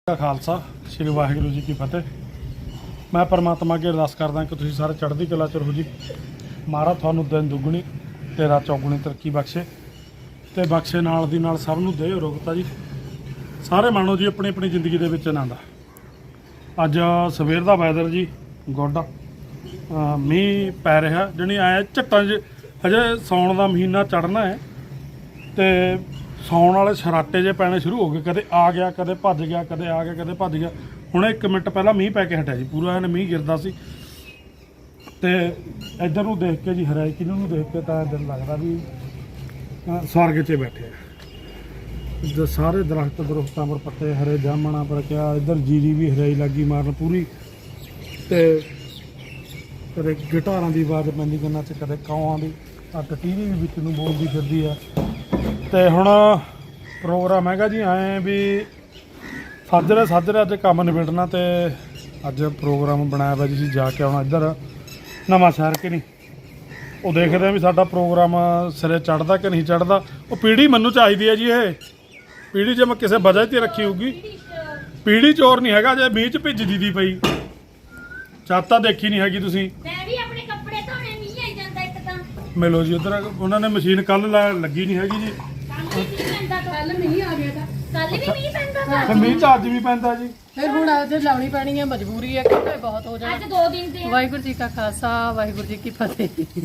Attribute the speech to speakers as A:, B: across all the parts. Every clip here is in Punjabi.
A: ਦਾ ਖਾਲਸਾ ਸ੍ਰੀ ਵਾਹਿਗੁਰੂ ਜੀ ਕੀ ਫਤਿਹ। ਮੈਂ ਪਰਮਾਤਮਾ ਅੱਗੇ ਅਰਦਾਸ ਕਰਦਾ ਕਿ ਤੁਸੀਂ ਸਾਰੇ ਚੜ੍ਹਦੀ ਕਲਾ ਚ ਰਹੋ ਜੀ। ਮਹਾਰਾਜ ਤੁਹਾਨੂੰ ਦਿਨ ਦੁੱਗਣੀ ਤੇ ਰਾਤ ਚੌਗੁਣੀ ਤਰੱਕੀ ਬਖਸ਼ੇ ਤੇ ਬਖਸ਼ੇ ਨਾਲ ਦੀ ਨਾਲ ਸਭ ਨੂੰ ਦੇ ਰੋਗਤਾ ਜੀ। ਸਾਰੇ ਮਾਣੋ ਜੀ ਆਪਣੀ ਆਪਣੀ ਜ਼ਿੰਦਗੀ ਦੇ ਵਿੱਚ ਆਨੰਦ। ਅੱਜ ਸਵੇਰ ਦਾ ਵੈਦਰ ਜੀ ਗੁੱਡ, ਮੀਂਹ ਪੈ ਰਿਹਾ ਜਣੀ ਆਇਆ ਝੱਟਾਂ 'ਚ। ਹਜੇ ਸਾਉਣ ਦਾ ਮਹੀਨਾ ਚੜ੍ਹਨਾ ਹੈ ਤੇ ਸੌਣ ਵਾਲੇ ਛਰਾਟੇ ਜੇ ਪੈਣੇ ਸ਼ੁਰੂ ਹੋ ਗਏ। ਕਦੇ ਆ ਗਿਆ, ਕਦੇ ਭੱਜ ਗਿਆ, ਕਦੇ ਆ ਗਿਆ, ਕਦੇ ਭੱਜ ਗਿਆ। ਹੁਣ 1 ਮਿੰਟ ਪਹਿਲਾਂ ਮੀਂਹ ਪੈ ਕੇ ਹਟਿਆ ਜੀ, ਪੂਰਾ ਇਹਨੇ ਮੀਂਹ ਗਿਰਦਾ ਸੀ। ਤੇ ਇੱਧਰ ਨੂੰ ਦੇਖ ਕੇ ਜੀ ਹਰਿਆਈ ਕਿਨੂੰ ਨੂੰ ਦੇਖ ਕੇ ਤਾਂ ਦਿਲ ਲੱਗਦਾ ਵੀ ਸਵਰਗ 'ਚ ਬੈਠੇ ਆ। ਸਾਰੇ ਦਰਖਤਾਂ ਪਰ ਪੱਤੇ ਹਰੇ, ਜਾਮਣਾ ਪਰ ਕਿਆ, ਇੱਧਰ ਜੀਰੀ ਵੀ ਹਰਿਆਈ ਲੱਗੀ ਮਾਰਨ ਪੂਰੀ। ਤੇ ਕਦੇ ਗਿਟਾਰਾਂ ਦੀ ਆਵਾਜ਼ ਪੈਂਦੀ ਕੰਨਾਂ 'ਚ, ਕਦੇ ਕਾਵਾਂ ਦੀ। ਟੀਵੀ ਵੀ ਵਿੱਚ ਨੂੰ ਬੋਲਦੀ ਫਿਰਦੀ ਆ। ਤੇ ਹੁਣ ਪ੍ਰੋਗਰਾਮ ਹੈਗਾ ਜੀ ਐਂ ਵੀ ਸਾਜਰੇ ਅੱਜ ਕੰਮ ਨਿਬੇੜਨਾ। ਤੇ ਅੱਜ ਪ੍ਰੋਗਰਾਮ ਬਣਾਇਆ ਵਾ ਜੀ ਅਸੀਂ ਜਾ ਕੇ ਆਉਣਾ ਇੱਧਰ ਨਵਾਂ ਸ਼ਹਿਰ ਕਿ ਨਹੀਂ। ਉਹ ਦੇਖਦੇ ਆ ਵੀ ਸਾਡਾ ਪ੍ਰੋਗਰਾਮ ਸਿਰੇ ਚੜ੍ਹਦਾ ਕਿ ਨਹੀਂ ਚੜ੍ਹਦਾ। ਉਹ ਪੀੜੀ ਮੈਨੂੰ ਚਾਹੀਦੀ ਹੈ ਜੀ। ਇਹ ਪੀੜੀ ਜੇ ਮੈਂ ਕਿਸੇ ਵਜ੍ਹਾ 'ਤੇ ਰੱਖੀ ਹੋਊਗੀ, ਪੀੜੀ ਚੋਰ ਨਹੀਂ ਹੈਗਾ। ਜੇ ਮੀਂਹ 'ਚ ਭਿੱਜਦੀ ਦੀ ਪਈ ਛੱਤ ਤਾਂ ਦੇਖੀ ਨਹੀਂ ਹੈਗੀ ਤੁਸੀਂ।
B: ਮੈਂ ਵੀ ਆਪਣੇ ਕੱਪੜੇ ਧੋਣੇ, ਮੀਂਹ ਆਈ ਜਾਂਦਾ ਇੱਕ ਤਾਂ।
A: ਮਿਲੋ ਜੀ ਉੱਧਰ ਉਹਨਾਂ ਨੇ ਮਸ਼ੀਨ ਕੱਲ ਲੱਗੀ ਨਹੀਂ ਹੈਗੀ ਜੀ।
B: ਕੱਲ ਮੀਂਹ ਆ ਗਿਆ ਤਾਂ ਕੱਲ ਵੀ ਮੀਂਹ ਪੈਂਦਾ ਤਾ।
A: ਫਿਰ ਮੀਂਹ ਤਾਂ ਅੱਜ ਵੀ ਪੈਂਦਾ ਜੀ।
C: ਫਿਰ ਹੁਣ ਅੱਜ ਲਾਉਣੀ ਪੈਣੀ ਹੈ, ਮਜਬੂਰੀ ਹੈ ਕਿਉਂਕਿ ਬਹੁਤ ਹੋ ਜਾਣਾ।
B: ਅੱਜ 2 ਦਿਨ ਦੇ
C: ਵਾਹਿਗੁਰੂ ਜੀ ਕਾ ਖਾਲਸਾ ਵਾਹਿਗੁਰੂ ਜੀ ਕੀ ਫਤਿਹ।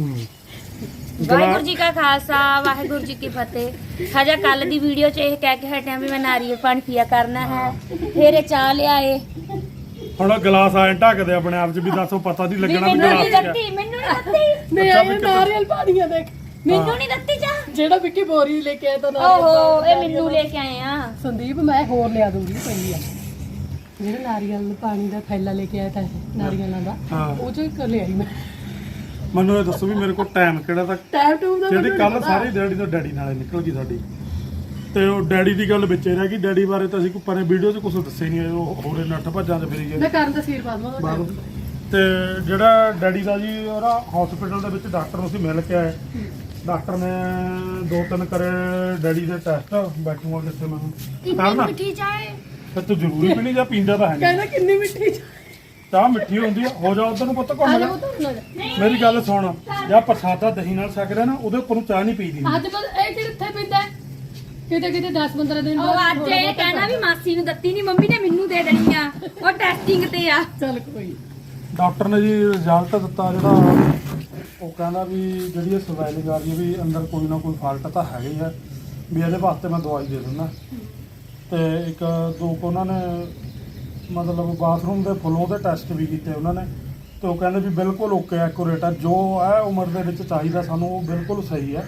B: ਵਾਹਿਗੁਰੂ ਜੀ ਕਾ ਖਾਲਸਾ ਵਾਹਿਗੁਰੂ ਜੀ ਕੀ ਫਤਿਹ। ਹਜਾ ਕੱਲ ਦੀ ਵੀਡੀਓ 'ਚ ਇਹ ਕਹਿ ਕੇ ਹਟਿਆ ਵੀ ਮੈਂ ਨਾਰੀਅਲ ਪਾਣੀ ਪੀਆ ਕਰਨਾ ਹੈ, ਫਿਰ ਇਹ ਚਾਹ ਲਿਆਏ।
A: ਹੁਣ ਗਲਾਸ ਆਏ ਢੱਕਦੇ ਆਪਣੇ ਆਪ 'ਚ ਵੀ ਦੱਸੋ, ਪਤਾ ਨਹੀਂ ਲੱਗਣਾ ਵੀ
B: ਮੈਨੂੰ ਨਹੀਂ
A: ਗਲਾਸ
B: ਦਿੱਤੀ, ਮੈਨੂੰ ਨਹੀਂ ਦਿੱਤੀ,
C: ਮੈਂ ਆਇਆ ਨਾਰੀਅਲ ਪਾਣੀ ਆ ਦੇਖ,
B: ਮੈਨੂੰ ਨਹੀਂ ਦਿੱਤੀ ਚਾਹ।
C: ਜਿਹੜਾ ਵਿੱਕੀ ਬੋਰੀ ਲੈ ਕੇ ਆਇਆ ਤਾਂ
B: ਓਹੋ ਇਹ ਮੈਨੂੰ ਲੈ ਕੇ ਆਏ ਆ।
C: ਸੰਦੀਪ ਮੈਂ ਹੋਰ ਲਿਆ ਦੂੰਗੀ ਪੈਂਦੀ ਆ। ਜਿਹੜਾ ਨਾਰੀਅਲ ਪਾਣੀ ਦਾ ਥੈਲਾ ਲੈ ਕੇ ਆਇਆ ਤਾਂ ਨਾਰੀਅਲਾਂ ਦਾ, ਉਹ ਚੋਂ ਇੱਕ ਲਿਆਈ ਮੈਂ।
A: ਮੈਨੂੰ ਇਹ ਦੱਸੋ ਵੀ ਮੇਰੇ ਕੋਲ ਟਾਈਮ ਕਿਹੜਾ ਤੱਕ
C: ਟਾਈਮ ਟੂਮ ਦਾ
A: ਜਿਹੜੀ ਕੱਲ ਸਾਰੀ ਦਿਹਾੜੀ ਤੋਂ ਡੈਡੀ ਨਾਲੇ ਨਿਕਲ ਗਈ ਸਾਡੀ। ਤੇ ਉਹ ਡੈਡੀ ਦੀ ਗੱਲ ਵਿੱਚੇ ਰਹਿ ਗਈ। ਡੈਡੀ ਬਾਰੇ ਤਾਂ ਅਸੀਂ ਕੋਈ ਪਰੇ ਵੀਡੀਓ 'ਚ ਕੁਝ ਦੱਸਿਆ ਨਹੀਂ। ਉਹ ਹੋਰੇ ਨੱਠ ਭੱਜਾਂ 'ਚ ਫਿਰੀ
C: ਮੈਂ
A: ਗਏ
C: ਕਰਨ ਤਸਵੀਰ ਪਾ ਦਵਾਂ
A: ਬਾਹਰੋਂ। ਤੇ ਜਿਹੜਾ ਡੈਡੀ ਦਾ ਜੀ ਉਹਦਾ ਹਸਪੀਟਲ ਦੇ ਵਿੱਚ ਡਾਕਟਰ ਨੂੰ ਅਸੀਂ ਮਿਲ ਕੇ ਆਏ। ਡਾਕਟਰ ਨੇ 2-3 ਕਰੇ ਡੈਡੀ ਦੇ ਟੈਸਟ। ਬੈਠੂਗਾ ਕਿੱਥੇ ਮੈਂ ਕਰਨਾ।
B: ਮਿੱਠੀ ਚਾਹ
A: ਫਿਰ ਤੂੰ ਜ਼ਰੂਰੀ ਪੀਣੀ ਜਾਂ ਪੀਂਦਾ ਤਾਂ ਹੈ ਨਹੀਂ।
C: ਕਹਿੰਦਾ ਕਿੰਨੀ ਮਿੱਠੀ
A: ਚਾਹ ਮਿੱਠੀ ਹੁੰਦੀ ਆ। ਹੋ ਜਾ ਉਧਰ ਨੂੰ ਪੁੱਤ ਘੁੰਮ ਜਾ। ਮੇਰੀ ਗੱਲ ਸੁਣ, ਜਾਂ ਪ੍ਰਸਾਦਾ ਦਹੀਂ ਨਾਲ ਛਕ ਰਿਹਾ ਨਾ, ਉਹਦੇ ਉੱਪਰ ਨੂੰ ਚਾਹ ਨਹੀਂ ਪੀਦੀ।
C: ਅੱਜ ਬਸ ਇਹ ਕਿੱਥੇ ਪੀਂਦਾ ਕਿਤੇ 10-15 ਦਿਨ
B: ਉਹ ਅੱਜ ਇਹ ਕਹਿਣਾ ਵੀ ਮਾਸੀ ਨੂੰ ਦਿੱਤੀ ਨਹੀਂ, ਮੰਮੀ ਨੇ ਮੈਨੂੰ ਦੇ ਦੇਣੀ ਆ। ਉਹ ਟੈਸਟਿੰਗ ਤੇ ਆ।
C: ਚੱਲ ਕੋਈ
A: ਡਾਕਟਰ ਨੇ ਜੀ ਰਿਜ਼ਲਟ ਦਿੱਤਾ ਜਿਹੜਾ। ਉਹ ਕਹਿੰਦਾ ਵੀ ਜਿਹੜੀ ਇਹ ਸਵੈਲਿੰਗ ਆ ਰਹੀ ਹੈ ਵੀ ਅੰਦਰ ਕੋਈ ਨਾ ਕੋਈ ਫਾਲਟ ਤਾਂ ਹੈਗਾ ਹੀ ਹੈ, ਵੀ ਇਹਦੇ ਵਾਸਤੇ ਮੈਂ ਦਵਾਈ ਦੇ ਦਿੰਦਾ। ਤੇ ਇੱਕ ਦੋ ਕੁ ਉਹਨਾਂ ਨੇ ਮਤਲਬ ਬਾਥਰੂਮ ਦੇ ਫਲੋ ਦੇ ਟੈਸਟ ਵੀ ਕੀਤੇ ਉਹਨਾਂ ਨੇ। ਤੇ ਉਹ ਕਹਿੰਦੇ ਵੀ ਬਿਲਕੁਲ ਓਕੇ ਐਕੂਰੇਟ ਹੈ, ਜੋ ਹੈ ਉਮਰ ਦੇ ਵਿੱਚ ਚਾਹੀਦਾ ਸਾਨੂੰ ਉਹ ਬਿਲਕੁਲ ਸਹੀ ਹੈ।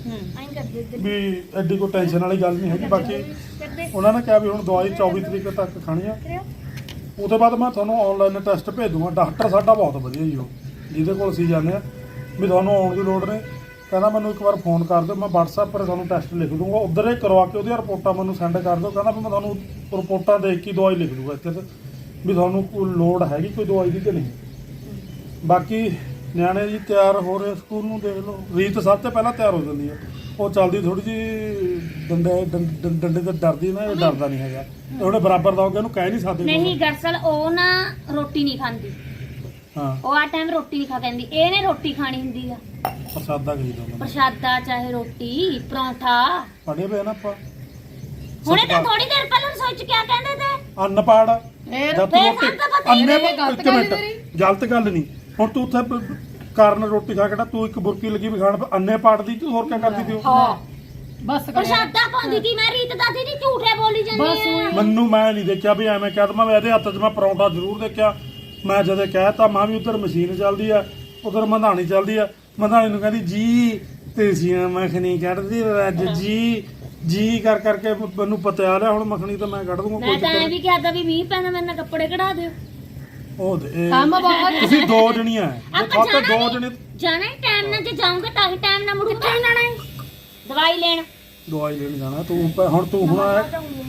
A: ਵੀ ਐਡੀ ਕੋਈ ਟੈਨਸ਼ਨ ਵਾਲੀ ਗੱਲ ਨਹੀਂ ਹੈਗੀ। ਬਾਕੀ ਉਹਨਾਂ ਨੇ ਕਿਹਾ ਵੀ ਹੁਣ ਦਵਾਈ 24 ਤਰੀਕ ਤੱਕ ਖਾਣੀ ਆ। ਉਹਦੇ ਬਾਅਦ ਮੈਂ ਤੁਹਾਨੂੰ ਆਨਲਾਈਨ ਟੈਸਟ ਭੇਜ ਦੂੰਗਾ। ਡਾਕਟਰ ਸਾਡਾ ਬਹੁਤ ਵਧੀਆ ਜੀ, ਉਹ ਜਿਹਦੇ ਕੋਲ ਅਸੀਂ ਜਾਂਦੇ ਹਾਂ। ਵੀ ਤੁਹਾਨੂੰ ਆਉਣ ਦੀ ਲੋੜ ਨਹੀਂ। ਕਹਿੰਦਾ ਮੈਨੂੰ ਇੱਕ ਵਾਰ ਫੋਨ ਕਰ ਦਿਓ, ਮੈਂ WhatsApp 'ਪਰ ਤੁਹਾਨੂੰ ਟੈਸਟ ਲਿਖ ਦੂੰਗਾ। ਉੱਧਰ ਹੀ ਕਰਵਾ ਕੇ ਉਹਦੀਆਂ ਰਿਪੋਰਟਾਂ ਮੈਨੂੰ ਸੈਂਡ ਕਰ ਦਿਓ। ਕਹਿੰਦਾ ਵੀ ਮੈਂ ਤੁਹਾਨੂੰ ਰਿਪੋਰਟਾਂ ਦੇਖ ਕੇ ਦਵਾਈ ਲਿਖ ਦੂੰਗਾ ਇੱਥੇ ਤੇ, ਵੀ ਤੁਹਾਨੂੰ ਕੋਈ ਲੋੜ ਹੈਗੀ ਕੋਈ ਦਵਾਈ ਦੀ ਕਿ ਨਹੀਂ। ਬਾਕੀ ਨਿਆਣੇ ਜੀ ਤਿਆਰ ਹੋ ਰਹੇ ਸਕੂਲ ਨੂੰ। ਦੇਖ ਲਓ ਰੀਤ ਸਭ ਤੋਂ ਪਹਿਲਾਂ ਤਿਆਰ ਹੋ ਜਾਂਦੀ ਹੈ। ਉਹ ਚੱਲਦੀ ਥੋੜੀ ਜਿਹੀ ਡੰਡੇ ਤੇ ਡਰਦੀ ਨਾ, ਇਹ ਡਰਦਾ ਨਹੀਂ ਹੈਗਾ। ਤੇ ਉਹਨੇ ਬਰਾਬਰ ਦਾ ਹੋ ਗਿਆ, ਉਹਨੂੰ ਕਹਿ ਨਹੀਂ ਸਕਦੇ।
B: ਨਹੀਂ ਦਰਅਸਲ ਉਹ ਨਾ ਰੋਟੀ ਨਹੀਂ ਖਾਂਦੀ।
A: ਹਾਂ
B: ਉਹ ਆ ਟਾਈਮ ਰੋਟੀ ਨਹੀਂ ਖਾ ਕਹਿੰਦੀ। ਇਹਨੇ ਰੋਟੀ ਖਾਣੀ ਹੁੰਦੀ ਆ।
A: ਪ੍ਰਸਾਦਾ ਕਹੀ ਦਾ
B: ਪ੍ਰਸ਼ਾਦਾ ਚਾਹੇ ਰੋਟੀ ਪਰੌਂਠਾ।
A: ਪੜ੍ਹੇ ਪਏ ਨਾ ਆਪਾਂ।
B: ਹੁਣੇ ਤਾਂ ਥੋੜੀ ਦੇਰ ਪਹਿਲਾਂ ਸੋਚ ਕਿਆ ਕਹਿੰਦੇ ਤੇ
A: ਅਨਪੜ
C: ਫੇਰ
A: ਜਦ ਤੂੰ ਰੋਟੀ ਅੰਨੇ
C: ਗਲਤ
A: ਇੱਕ
C: ਗੱਲ
A: ਮਿੰਟ
C: ਤੇਰੀ।
A: ਗਲਤ ਗੱਲ ਨਹੀਂ। ਹੁਣ ਤੂੰ ਉੱਥੇ ਕਾਰਨ ਰੋਟੀ ਖਾ ਕੇ ਤੂੰ ਇੱਕ ਬੁਰਕੀ ਲੱਗੀ ਵੀ ਖਾਣ, ਅੰਨੇ ਪਾੜਦੀ ਤੂੰ ਹੋਰ ਕਿਆ ਕਰਦੀ ਤੀ ਉਹ?
C: ਹਾਂ ਬਸ ਕਰ
B: ਪ੍ਰਸ਼ਾਦਾ ਪਾਉਂਦੀ ਤੀ ਮੈਂ। ਰੀਤ ਦਾ ਦੀਦੀ ਝੂਠੇ ਬੋਲੀ ਜਾਂਦੀ ਆ।
A: ਮੈਨੂੰ ਮੈਂ ਨਹੀਂ ਦੇਖਿਆ ਵੀ ਐਵੇਂ ਕਹਿ ਦਵਾਂ। ਮੈਂ ਇਹਦੇ ਹੱਥ 'ਚ ਮੈਂ ਪਰੌਂਠਾ ਜ਼ਰੂਰ ਦੇਖਿਆ। ਮੈਂ ਜਦੋਂ ਕਹਿਤਾ ਮਾਂ ਵੀ ਉੱਧਰ ਮਸ਼ੀਨ ਚੱਲਦੀ ਆ, ਉੱਧਰ ਮਧਾਣੀ ਚੱਲਦੀ ਆ। ਮਧਾਣੀ ਨੂੰ ਕਹਿੰਦੀ ਜੀ ਤੇਸੀਆਂ ਮੱਖਣੀ ਕੱਢਦੀ ਰੱਜ ਜੀ ਕਰ ਕਰਕੇ ਮੈਨੂੰ ਪਤਾ ਲਿਆ। ਹੁਣ ਮੱਖਣੀ ਤਾਂ ਮੈਂ ਕੱਢ ਦੂੰਗਾ।
B: ਮੈਂ ਤਾਂ ਐ ਵੀ ਕਿਹਾ ਤਾਂ ਵੀ ਮੀਂਹ ਪੈਂਦਾ, ਮੇਰੇ ਨਾਲ ਕੱਪੜੇ ਕਢਾ ਦਿਓ।
A: ਉਹ ਦੇ
C: ਕੰਮ ਬਹੁਤ
A: ਤੁਸੀਂ 2 ਜਣੀਆਂ
B: ਆਪਾਂ
A: ਜੇ 2 ਜਣੇ
B: ਜਾਣਾ ਹੀ ਟਾਈਮ ਨਾਲ। ਜੇ ਜਾਊਂਗੇ ਤਾਂ ਹੀ ਟਾਈਮ ਨਾਲ ਮੁੜੂ। ਕਿੱਥੇ ਜਾਣਾ ਹੈ? ਦਵਾਈ ਲੈਣ।
A: ਦਵਾਈ ਲੈਣ ਜਾਣਾ ਤੂੰ। ਹੁਣ ਤੂੰ ਹੁਣ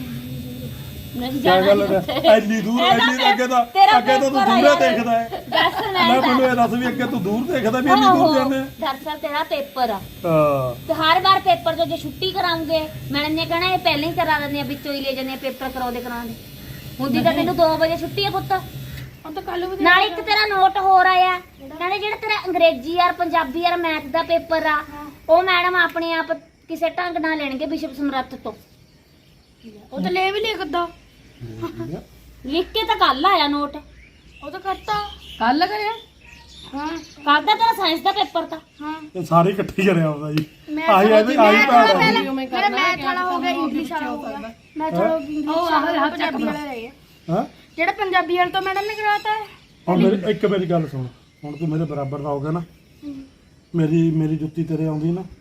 B: ਨਹੀਂ
A: ਕਿਆ
B: ਜਾਣਾ
A: ਗੱਲ ਹੈ ਇੰਨੀ ਦੂਰ ਇੰਨੀ ਅੱਗੇ ਤਾਂ ਤੂੰ ਦੂਰੇ ਦੇਖਦਾ ਹੈ।
B: ਦੱਸ
A: ਮੈਂ ਮੈਨੂੰ ਇਹ ਦੱਸ ਵੀ ਅੱਗੇ ਤੂੰ ਦੂਰ ਦੇਖਦਾ ਵੀ ਇੰਨੀ ਦੂਰ ਜਾਂਦੇ।
B: ਦਰਅਸਲ ਤੇਰਾ ਪੇਪਰ ਆ
A: ਹਾਂ
B: ਤੇ ਹਰ ਵਾਰ ਪੇਪਰ ਤੋਂ ਜੇ ਛੁੱਟੀ ਕਰਾਉਂਗੇ ਮੈਡਮ ਨੇ ਕਹਿਣਾ ਇਹ ਪਹਿਲਾਂ ਹੀ ਕਰਾ ਦਿੰਦੇ ਆ, ਵਿੱਚੋਂ ਹੀ ਲੈ ਜਾਂਦੇ ਆ ਪੇਪਰ ਕਰਾਉਂਦੇ। ਹੁੰਦੀ ਤਾਂ ਤੈਨੂੰ 2 ਵਜੇ ਛੁੱਟੀ ਆ ਪੁੱਤ।
C: ਉਹ ਤਾਂ ਕੱਲ ਵੀ
B: ਨਾਲ ਇੱਕ ਤੇਰਾ ਨੋਟ ਹੋਰ ਆਇਆ, ਕਹਿੰਦੇ ਜਿਹੜਾ ਤੇਰਾ ਅੰਗਰੇਜ਼ੀ ਯਾਰ ਪੰਜਾਬੀ ਯਾਰ ਮੈਥ ਦਾ ਪੇਪਰ ਆ ਉਹ ਮੈਡਮ ਆਪਣੇ ਆਪ ਕਿਸੇ ਢੰਗ ਨਾਲ ਲੈਣਗੇ ਬਿਸ਼ਪ ਸਮਰੱਥ ਤੋਂ।
C: ਉਹ ਤਾਂ ਲੈ ਵੀ ਲਿਖਦਾ,
B: ਲਿਖ ਕੇ ਤਾਂ ਕੱਲ ਆਇਆ ਨੋਟ।
C: ਉਹ ਤਾਂ ਕਰਤਾ ਕੱਲ ਕਰਿਆ।
B: ਹਾਂ ਕੱਲ ਦਾ ਤੇਰਾ ਸਾਇੰਸ ਦਾ ਪੇਪਰ ਤਾਂ। ਹਾਂ
A: ਇਹ ਸਾਰੇ ਇਕੱਠੇ ਕਰਿਆ ਹੁੰਦਾ ਜੀ।
B: ਮੈਂ
A: ਆਹੀ
B: ਚਲੋ
A: ਇਹਦੀ ਆਹੀ ਭੈਣ ਆ ਜੀ।
C: ਮੇਰਾ ਮੈਥ ਵਾਲਾ ਹੋ ਗਿਆ, ਇੰਗਲਿਸ਼ ਵਾਲਾ ਹੋ ਗਿਆ। ਮੈਂ ਚਲੋ ਇੰਗਲਿਸ਼ ਵਾਲਾ ਪੰਜਾਬੀ ਵਾਲਾ ਰਹਿ ਗਿਆ।
A: ਹਾਂ
C: ਜਿਹੜਾ ਪੰਜਾਬੀ ਵਾਲਾ ਤੋਂ ਮੈਡਮ ਨੇ ਕਰਾਤਾ ਹੈ।
A: ਹੁਣ ਮੇਰੀ ਗੱਲ ਸੁਣ, ਹੁਣ ਤੂੰ ਮੇਰੇ ਬਰਾਬਰ ਦਾ ਹੋ ਗਿਆ ਨਾ, ਮੇਰੀ ਜੁੱਤੀ ਤੇਰੇ ਆਉਂਦੀ ਨਾ,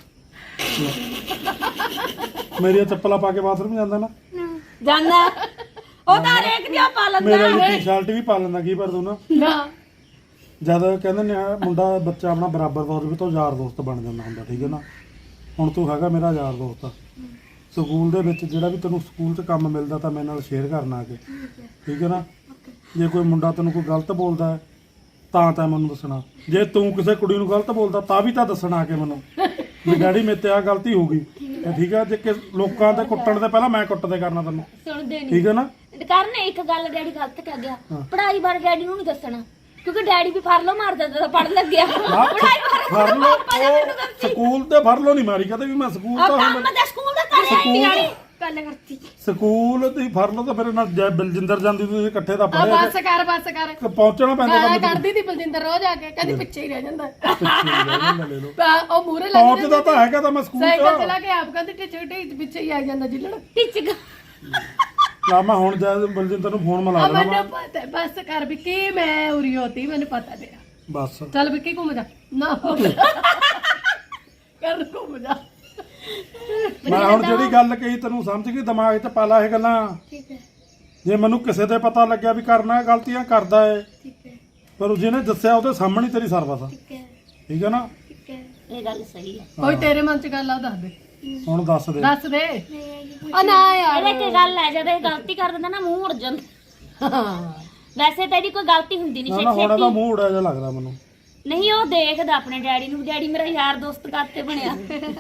A: ਮੇਰੀਆਂ ਚੱਪਲਾਂ ਪਾ ਕੇ ਬਾਥਰੂਮ ਜਾਂਦਾ ਨਾ,
B: ਜਾਂਦਾ ਉਹ ਤਾਂ ਹਰੇਕ ਦੀ ਪਾ ਲੈਂਦਾ
A: ਮੇਰੇ ਲਈ ਟੀ-ਸ਼ਰਟ ਵੀ ਪਾ ਲੈਂਦਾ ਕੀ ਪਰ ਤੂੰ ਨਾ ਜਦ ਕਹਿੰਦੇ ਨੇ ਮੁੰਡਾ ਬੱਚਾ ਆਪਣਾ ਬਰਾਬਰ ਦਾ ਹੋਵੇ ਤਾਂ ਯਾਰ ਦੋਸਤ ਬਣ ਜਾਂਦਾ ਹੁੰਦਾ, ਠੀਕ ਹੈ ਨਾ। ਹੁਣ ਤੂੰ ਹੈਗਾ ਮੇਰਾ ਯਾਰ ਦੋਸਤ ਆ। ਸਕੂਲ ਦੇ ਵਿੱਚ ਜਿਹੜਾ ਵੀ ਤੈਨੂੰ ਸਕੂਲ 'ਚ ਕੰਮ ਮਿਲਦਾ ਤਾਂ ਮੇਰੇ ਨਾਲ ਸ਼ੇਅਰ ਕਰਨਾ ਆ ਕੇ, ਠੀਕ ਹੈ ਨਾ। ਜੇ ਕੋਈ ਮੁੰਡਾ ਤੈਨੂੰ ਕੋਈ ਗਲਤ ਬੋਲਦਾ ਹੈ ਤਾਂ ਮੈਨੂੰ ਦੱਸਣਾ। ਜੇ ਤੂੰ ਕਿਸੇ ਕੁੜੀ ਨੂੰ ਗਲਤ ਬੋਲਦਾ ਤਾਂ ਵੀ ਤਾਂ ਦੱਸਣਾ ਆ ਕੇ ਮੈਨੂੰ ਵੀ ਡੈਡੀ ਮੇਰੇ ਤੇ ਆ ਗਲਤੀ ਹੋ ਗਈ, ਠੀਕ ਹੈ। ਜੇ ਲੋਕਾਂ ਤੇ ਕੁੱਟਣ ਦੇ ਪਹਿਲਾਂ ਮੈਂ ਕੁੱਟਦੇ ਕਰਨਾ ਤੈਨੂੰ,
B: ਸੁਣਦੇ ਨਹੀਂ,
A: ਠੀਕ ਹੈ ਨਾ।
B: ਕਰਨ ਇੱਕ ਗੱਲ ਡੈਡੀ ਗਲਤ ਕਹਿ ਗਿਆ, ਪੜ੍ਹਾਈ ਬਾਰੇ ਡੈਡੀ ਨੂੰ ਨਹੀਂ ਦੱਸਣਾ ਕਿਉਂਕਿ ਡੈਡੀ ਵੀ ਫੜ ਲਓ ਮਾਰ ਦਿੰਦਾ ਤਾਂ ਪੜ੍ਹਨ ਲੱਗਿਆ। ਪੜ੍ਹਾਈ
A: ਫੜ ਲਓ ਸਕੂਲ ਤੇ ਫੜ ਲਓ ਨਹੀਂ ਮਾਰੀ ਕਦੇ ਵੀ ਮੈਂ ਸਕੂਲ ਤਾਂ
B: ਕੰਮ ਦਾ ਸਕੂਲ ਦਾ ਕਰਿਆ ਹੀ ਨਹੀਂ ਗੱਲ ਕਰਤੀ।
A: ਸਕੂਲ ਤੇ ਫੜ ਲਓ ਤਾਂ ਫਿਰ ਨਾਲ ਬਲਜਿੰਦਰ ਜਾਂਦੀ ਤੁਸੀਂ ਇਕੱਠੇ ਤਾਂ ਪੜ੍ਹੇ
C: ਬਸ ਕਰ
A: ਪਹੁੰਚਣਾ ਪੈਂਦਾ ਕੰਮ
C: ਕਰਦੀ ਤੀ ਬਲਜਿੰਦਰ ਰੋਜ਼ ਆ ਕੇ ਕਹਿੰਦੀ ਪਿੱਛੇ ਹੀ ਰਹਿ ਜਾਂਦਾ।
A: ਲੈ ਲਓ
C: ਉਹ ਮੂਰੇ ਲੱਗ
A: ਪਹੁੰਚਦਾ ਤਾਂ ਹੈਗਾ ਤਾਂ ਮੈਂ ਸਕੂਲ
C: ਸਾਈਕਲ
A: ਚ
C: ਚਲਾ ਕੇ ਆਪ ਕਹਿੰਦੀ ਟਿੱਚ ਪਿੱਛੇ ਹੀ ਆ ਜਾਂਦਾ ਜਿੱਲਣ।
B: ਟਿੱਚ
A: ਲਾ ਮੈਂ ਹੁਣ ਜਾ ਬਲਜਿੰਦਰ ਨੂੰ ਫੋਨ ਮਿਲਾ ਦੇਣਾ
C: ਮੈਨੂੰ ਪਤਾ ਬਸ ਕਰ ਵਿੱਕੀ ਮੈਂ ਉਰੀ ਹੋਤੀ ਮੈਨੂੰ ਪਤਾ ਤੇਰਾ।
A: ਬਸ
C: ਚੱਲ ਵਿੱਕੀ ਘੁੰਮ ਜਾ ਨਾ ਕਰ ਘੁੰਮ ਜਾ।
A: ਮੈਂ ਹੁਣ ਜਿਹੜੀ ਗੱਲ ਕਹੀ ਤੈਨੂੰ ਸਮਝ ਗਈ, ਦਿਮਾਗ 'ਚ ਪਾ ਲਾ ਇਹ ਗੱਲਾਂ।
C: ਠੀਕ ਹੈ
A: ਜੇ ਮੈਨੂੰ ਕਿਸੇ ਦੇ ਪਤਾ ਲੱਗਿਆ ਵੀ ਕਰਨਾ ਗਲਤੀਆਂ ਕਰਦਾ ਏ,
C: ਠੀਕ ਹੈ
A: ਪਰ ਜਿਹਨੇ ਦੱਸਿਆ ਉਹਦੇ ਸਾਹਮਣੇ ਤੇਰੀ ਸਰਵਿਸ ਆ,
C: ਠੀਕ ਹੈ
A: ਠੀਕ ਹੈ ਨਾ।
C: ਠੀਕ ਹੈ
B: ਇਹ ਗੱਲ ਸਹੀ ਹੈ।
C: ਕੋਈ ਤੇਰੇ ਮਨ ਚ ਗੱਲ ਆ ਦੱਸ ਦੇ
A: ਹੁਣ ਦੱਸ ਦੇ।
C: ਦੱਸ ਦੇ ਆ ਨਾ ਯਾਰ
B: ਇਹਦੇ ਕੀ ਗੱਲ ਹੈ ਜਦੋਂ ਇਹ ਗਲਤੀ ਕਰ ਦਿੰਦਾ ਨਾ ਮੂੰਹ ਮੁੜ ਜਾਂਦਾ।
C: ਹਾਂ
B: ਵੈਸੇ ਤਾਂ ਇਹਦੀ ਕੋਈ ਗਲਤੀ ਹੁੰਦੀ ਨਹੀਂ
A: ਨਾ ਹੁਣ ਇਹਦਾ
B: ਛੇਤੀ।
A: ਮੂੰਹ ਉੜਿਆ ਜਿਹਾ ਲੱਗਦਾ ਮੈਨੂੰ।
B: ਨਹੀਂ ਉਹ ਦੇਖਦਾ ਆਪਣੇ ਡੈਡੀ ਨੂੰ, ਡੈਡੀ ਮੇਰਾ ਯਾਰ ਦੋਸਤ ਕਾਤੇ ਬਣਿਆ।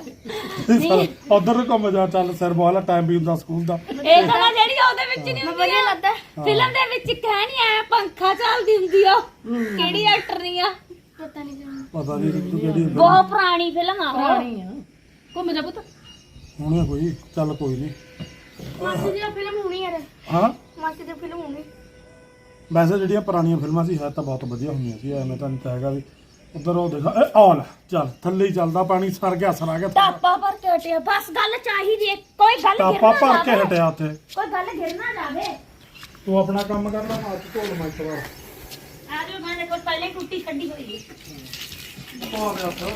A: ਉਧਰ ਘੁੰਮ ਜਾ, ਚੱਲ ਸਿਰ ਵਾਲਾ ਟਾਈਮ ਵੀ ਹੁੰਦਾ ਸਕੂਲ ਦਾ।
B: ਇਹ ਗੱਲਾਂ ਜਿਹੜੀਆਂ ਉਹਦੇ ਵਿੱਚ ਨਹੀਂ ਹੁੰਦੀਆਂ ਲੱਗਦਾ ਫਿਲਮ ਦੇ ਵਿੱਚ ਕਹਿ ਨਹੀਂ ਆਇਆ ਪੰਖਾ ਚੱਲਦੀ ਹੁੰਦੀ ਆ ਕਿਹੜੀ ਐਕਟਰ ਨਹੀਂ ਆ
C: ਪਤਾ ਨਹੀਂ
A: ਪਤਾ ਨਹੀਂ ਤੂੰ ਕਿਹੜੀ
B: ਬਹੁਤ ਪੁਰਾਣੀ ਫਿਲਮ ਆ ਉਹ।
C: ਪੁਰਾਣੀ ਆ ਘੁੰਮ ਜਾ ਪੁੱਤ।
A: ਹੁਣ ਕੋਈ ਚੱਲ ਕੋਈ ਨਹੀਂ।
C: ਮਾਸੀ ਦੀ ਫਿਲਮ ਹੋਣੀ ਯਾਰ,
A: ਹਾਂ
C: ਮਾਸੀ ਦੀ ਫਿਲਮ ਹੋਣੀ।
A: ਵੈਸੇ ਜਿਹੜੀਆਂ ਪੁਰਾਣੀਆਂ ਫਿਲਮਾਂ ਸੀ ਹੈ ਤਾਂ ਬਹੁਤ ਵਧੀਆ ਹੁੰਦੀਆਂ ਸੀ, ਐਵੇਂ ਤਾਂ ਨਹੀਂ ਤਾਂ ਹੈਗਾ ਵੀ ਉਧਰ ਉਹ ਦੇਖਾ ਇਹ ਆਲ ਚੱਲ ਥੱਲੇ ਹੀ ਚੱਲਦਾ ਪਾਣੀ, ਸਰ ਗਿਆ ਸਰ ਆ ਗਿਆ
B: ਟਾਪਾ ਭਰ ਕੇ ਹਟਿਆ ਬਸ ਗੱਲ ਚਾਹੀਦੀ ਹੈ, ਕੋਈ ਗੱਲ
A: ਟਾਪਾ
B: ਗਿਰ ਨਾ
A: ਭਰ ਕੇ
B: ਜਾਵੇ,
A: ਹਟਿਆ ਉੱਥੇ।
B: ਕੋਈ ਗੱਲ ਗਿਰ ਨਾ ਜਾਵੇ।
A: ਤੂੰ ਆਪਣਾ ਕੰਮ ਕਰ ਲੈ, ਮਾਚ ਢੋਲ ਮੈਂ ਇੱਕ ਵਾਰ
B: ਆ ਜੋ ਮੈਂ ਕੋਲ ਪਹਿਲੇ ਟੁੱਟੀ ਛੱਡੀ ਹੋਈ ਹੈ।
A: ਆ ਗਿਆ ਤਾਂ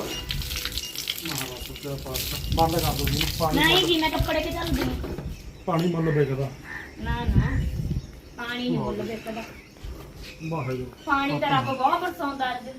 A: ਮਹਾਰਾਜ ਦਾ ਪਾਸ ਬੰਦ ਕਰ ਦੋ ਜੀ ਪਾਣੀ।
B: ਨਹੀਂ ਜੀ ਮੈਂ ਕੱਪੜੇ ਕੇ ਚੱਲਦੀ ਹਾਂ।
A: ਪਾਣੀ ਮੁੱਲ ਵੇਚਦਾ
B: ਨਾ ਨਾ ਪਾਣੀ ਨਹੀਂ ਮੁੱਲ ਵੇਚਦਾ,
A: ਵਾਹਿਗੁਰੂ।
B: ਪਾਣੀ ਤਾਂ ਰੱਬ ਬਹੁਤ ਬਰਸਾਉਂਦਾ ਅੱਜ।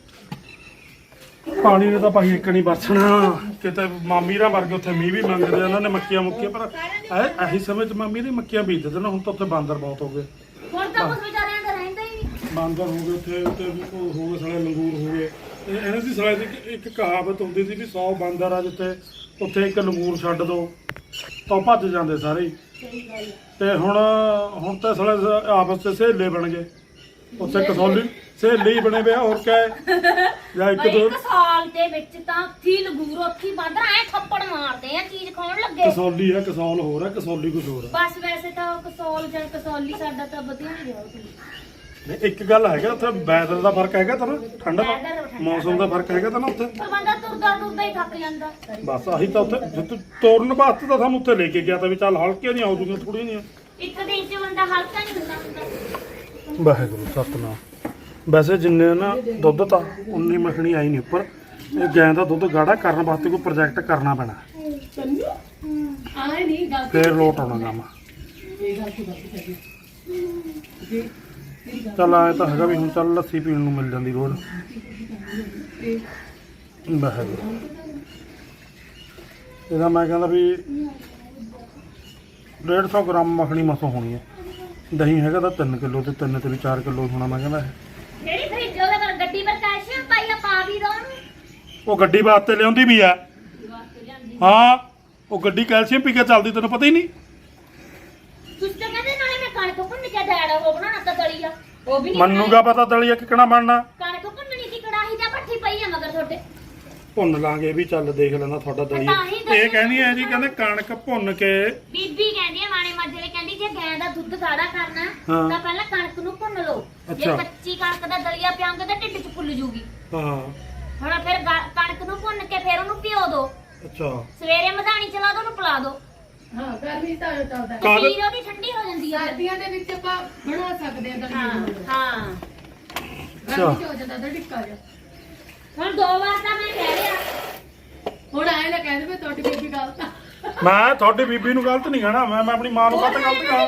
A: ਪਾਣੀ ਨੇ ਤਾਂ ਭਾਈ ਇੱਕ ਨਹੀਂ ਬਰਸਣਾ, ਕਿਤੇ ਮਾਮੀ ਰਾਂ ਵਰਗੇ ਉੱਥੇ ਮੀਂਹ ਵੀ ਮੰਗਦੇ ਉਹਨਾਂ ਨੇ ਮੱਕੀਆਂ ਮੁੱਕੀਆਂ, ਪਰ ਇਹੀ ਸਮੇਂ 'ਚ ਮਾਮੀ ਨੇ ਮੱਕੀਆਂ ਬੀਜ ਦਿੰਦੇ ਨੇ। ਹੁਣ ਤਾਂ ਉੱਥੇ ਬਾਂਦਰ ਬਹੁਤ ਹੋ ਗਏ,
B: ਹੁਣ ਤਾਂ ਕੁਝ ਵਿਚਾਰਿਆਂ ਦਾ ਰਹਿੰਦਾ ਹੀ ਨਹੀਂ।
A: ਬਾਂਦਰ ਹੋ ਗਏ ਉੱਥੇ, ਉੱਤੇ ਵੀ ਉਹ ਹੋ ਗਏ ਸਾਲੇ ਲੰਗੂਰ ਹੋ ਗਏ। ਇਹਨਾਂ ਦੀ ਸਾਲੇ ਦੀ ਇੱਕ ਕਹਾਵਤ ਹੁੰਦੀ ਸੀ ਵੀ 100 ਬਾਂਦਰ ਆ ਜਿੱਥੇ ਉੱਥੇ ਇੱਕ ਲੰਗੂਰ ਛੱਡ ਦੋ ਤਾਂ ਉਹ ਭੱਜ ਜਾਂਦੇ ਸਾਰੇ ਹੀ। ਤੇ ਹੁਣ ਤਾਂ ਸਾਲੇ ਆਪਸ 'ਚ ਸਹੇਲੇ ਬਣ ਗਏ, ਉੱਥੇ ਕਸੌਲੀ ਸਹੇਲੇ ਹੀ ਬਣੇ ਵੇ, ਹੋਰ ਕਿਆ ਹੈ। ਜਾਂ ਇੱਕ ਦੋ
B: ਇੱਕ ਸਾਲ ਦੇ ਵਿੱਚ ਤਾਂ ਉੱਥੀ ਲੰਗੂਰ ਉੱਥੀ ਬਾਂਦਰ ਐ ਥੱਪੜ ਮਾਰਦੇ ਆ ਚੀਜ਼ ਖਾਣ ਲੱਗੇ।
A: ਕਸੌਲੀ ਹੈ, ਕਸੌਲ ਹੋਰ ਹੈ, ਕਸੌਲੀ ਕੁਝ ਹੋਰ ਹੈ।
B: ਬਸ ਵੈਸੇ ਤਾਂ ਕਸੌਲ ਜਾਂ ਕਸੌਲੀ ਸਾਡਾ ਤਾਂ ਵਧੀਆ ਨਹੀਂ ਰਿਹਾ ਉੱਥੇ।
A: ਨਹੀਂ ਇੱਕ ਗੱਲ ਹੈਗਾ ਉੱਥੇ ਵੈਦਰ ਦਾ ਫਰਕ ਹੈਗਾ ਤਾਂ ਨਾ, ਠੰਡ ਦਾ ਮੌਸਮ ਦਾ ਫਰਕ ਹੈਗਾ ਤਾਂ ਨਾ ਉੱਥੇ।
B: ਪਰ ਬੰਦਾ ਤੁਰਦਾ ਤੁਰਦਾ ਹੀ ਥੱਕ ਜਾਂਦਾ।
A: ਬਸ ਆਹੀ ਤਾਂ ਉੱਥੇ ਜਿੱਥੇ ਤੋਰਨ ਵਾਸਤੇ ਤਾਂ ਸਾਨੂੰ ਉੱਥੇ ਲੈ ਕੇ ਗਿਆ ਤਾਂ ਵੀ ਚੱਲ ਹਲਕੀਆਂ ਨਹੀਂ ਆਉਦੀਆਂ ਥੋੜੀਆਂ ਨਹੀਂ।
B: ਇੱਕ ਦਿਨ 'ਚ ਬੰਦਾ ਹਲਕਾ ਨਹੀਂ ਹੁੰਦਾ।
A: ਵਾਹਿਗੁਰੂ ਸਤਨਾਮ। ਵੈਸੇ ਜਿੰਨੇ ਨਾ ਦੁੱਧ ਤਾਂ ਉਨੀ ਮੱਖਣੀ ਆਈ ਨਹੀਂ ਉੱਪਰ। ਇਹ ਗਾਂ ਦਾ ਦੁੱਧ ਗਾੜਾ ਕਰਨ ਵਾਸਤੇ ਕੋਈ ਪ੍ਰੋਜੈਕਟ ਕਰਨਾ ਪੈਣਾ,
C: ਆਏ ਨਹੀਂ ਗੱਲ
A: ਫੇਰ ਲੋਟ ਆਉਣਾ ਕੰਮ।
C: ਇਹ ਗੱਲ ਕੀ ਕਰਦੀ ਹੈ
A: ਚੱਲ ਆਏ ਤਾਂ ਹੈਗਾ ਵੀ ਹੁਣ ਚੱਲ ਲੱਸੀ ਪੀਣ ਨੂੰ ਮਿਲ ਜਾਂਦੀ ਰੋਜ਼। ਵਾਹਿਗੁਰੂ। ਇਹਦਾ ਮੈਂ ਕਹਿੰਦਾ ਵੀ 150 ਗ੍ਰਾਮ ਮੱਖਣੀ ਮਸੋਂ ਹੋਣੀ ਹੈ। ਦਹੀਂ ਹੈਗਾ ਤਾਂ 3 ਕਿਲੋ ਤੇ 3 ਤੇ ਵੀ 4 ਕਿਲੋ ਹੋਣਾ ਮੈਂ ਕਹਿੰਦਾ।
B: ਜਿਹੜੀ ਫਰਿੱਜ ਉਹਦੇ ਪਰ ਗੱਡੀ ਪਰ ਕੈਲਸ਼ੀਅਮ ਪਾਈਆ ਪਾ ਵੀ ਦੋ ਉਹਨੂੰ।
A: ਉਹ ਗੱਡੀ ਵਾਸਤੇ ਲਿਆਉਂਦੀ ਵੀ ਆ। ਹਾਂ ਉਹ ਗੱਡੀ ਕੈਲਸ਼ੀਅਮ ਪੀ ਕੇ ਚੱਲਦੀ, ਤੈਨੂੰ ਪਤਾ ਹੀ ਨਹੀਂ।
B: ਤੁਸੀਂ ਤਾਂ ਕਹਿੰਦੇ ਨਾਲੇ ਮੈਂ ਕਣਕ ਭੁੰਨ ਹੈ ਉਹ ਬਣਾਉਣਾ ਤਾਂ ਦਲੀਆ ਉਹ ਵੀ ਨਹੀਂ
A: ਮੰਨੂਗਾ ਪਤਾ ਦਲੀਆ ਕਿਕਣਾ ਬਣਨਾ।
B: ਕਣਕ ਭੁੰਨਣੀ ਦੀ ਕੜਾਹੀ ਜਾਂ ਭੱਠੀ ਪਈ ਆ ਮਗਰ ਤੁਹਾਡੇ
A: ਭੁੰਨ ਲਾਂਗੇ ਇਹ ਵੀ ਚੱਲ ਦੇਖ ਲੈਂਦਾ ਤੁਹਾਡਾ ਦਲੀਆ।
B: ਤਾਂ ਹੀ ਦੱਸਿਆ।
A: ਇਹ ਕਹਿੰਦੀ ਹੈ ਜੀ ਕਹਿੰਦੇ ਕਣਕ ਭੁੰਨ ਕੇ
B: ਬੀਬੀ ਕਹਿੰਦੀ ਆ ਮਾਣੇ ਮਾਜਰੇ ਕਹਿੰਦੀ ਜੇ ਗਾਂ ਦਾ ਦੁੱਧ ਗਾੜਾ ਕਰਨਾ
A: ਹਾਂ।
B: ਤਾਂ ਪਹਿਲਾਂ ਕਣਕ ਨੂੰ ਭੁੰਨ ਲਓ ਜੇ
A: ਅੱਛਾ।
B: ਕੱਚੀ ਕਣਕ ਦਾ ਦਲੀਆ ਪਿਆਉਂਗੇ ਤਾਂ ਢਿੱਡ 'ਚ ਫੁੱਲ ਜੂਗੀ
A: ਹਾਂ
B: ਹੁਣ ਫਿਰ ਕਣਕ ਨੂੰ ਭੁੰਨ ਕੇ ਫਿਰ ਉਹਨੂੰ ਭਿਓ ਦਿਓ
A: ਅੱਛਾ
B: ਸਵੇਰੇ ਮਧਾਣੀ ਚਲਾ ਦੋ ਉਹਨੂੰ ਪਿਲਾ ਦਿਓ
C: ਹਾਂ ਗਰਮੀ ਤਾਂ ਚੱਲਦਾ
A: ਕਾਹਦੇ-
B: ਖੀਰ ਉਹਦੀ ਠੰਡੀ ਹੋ ਜਾਂਦੀ ਆ
C: ਸਰਦੀਆਂ ਦੇ ਵਿੱਚ ਆਪਾਂ ਬਣਾ ਸਕਦੇ ਹਾਂ
B: ਹਾਂ
C: ਦਲੀਆ
B: ਹਾਂ
C: ਗਰਮੀ ਚ ਹੋ ਜਾਂਦਾ ਤਾਂ ਟਿੱਕਾ ਜਾ
B: ਹੁਣ 2 ਵਾਰ ਤਾਂ ਮੈਂ ਕਹਿ ਰਿਹਾ
C: ਹੁਣ ਆਏ ਨਾ ਕਹਿ ਦੇਵੇ ਤੁਹਾਡੀ ਬੀਬੀ ਗਲਤ ਆ
A: ਮੈਂ ਤੁਹਾਡੀ ਬੀਬੀ ਨੂੰ ਗਲਤ ਨਹੀਂ ਕਹਿਣਾ। ਮੈਂ ਆਪਣੀ ਮਾਂ ਨੂੰ ਗਲਤ ਕਹਾਂ।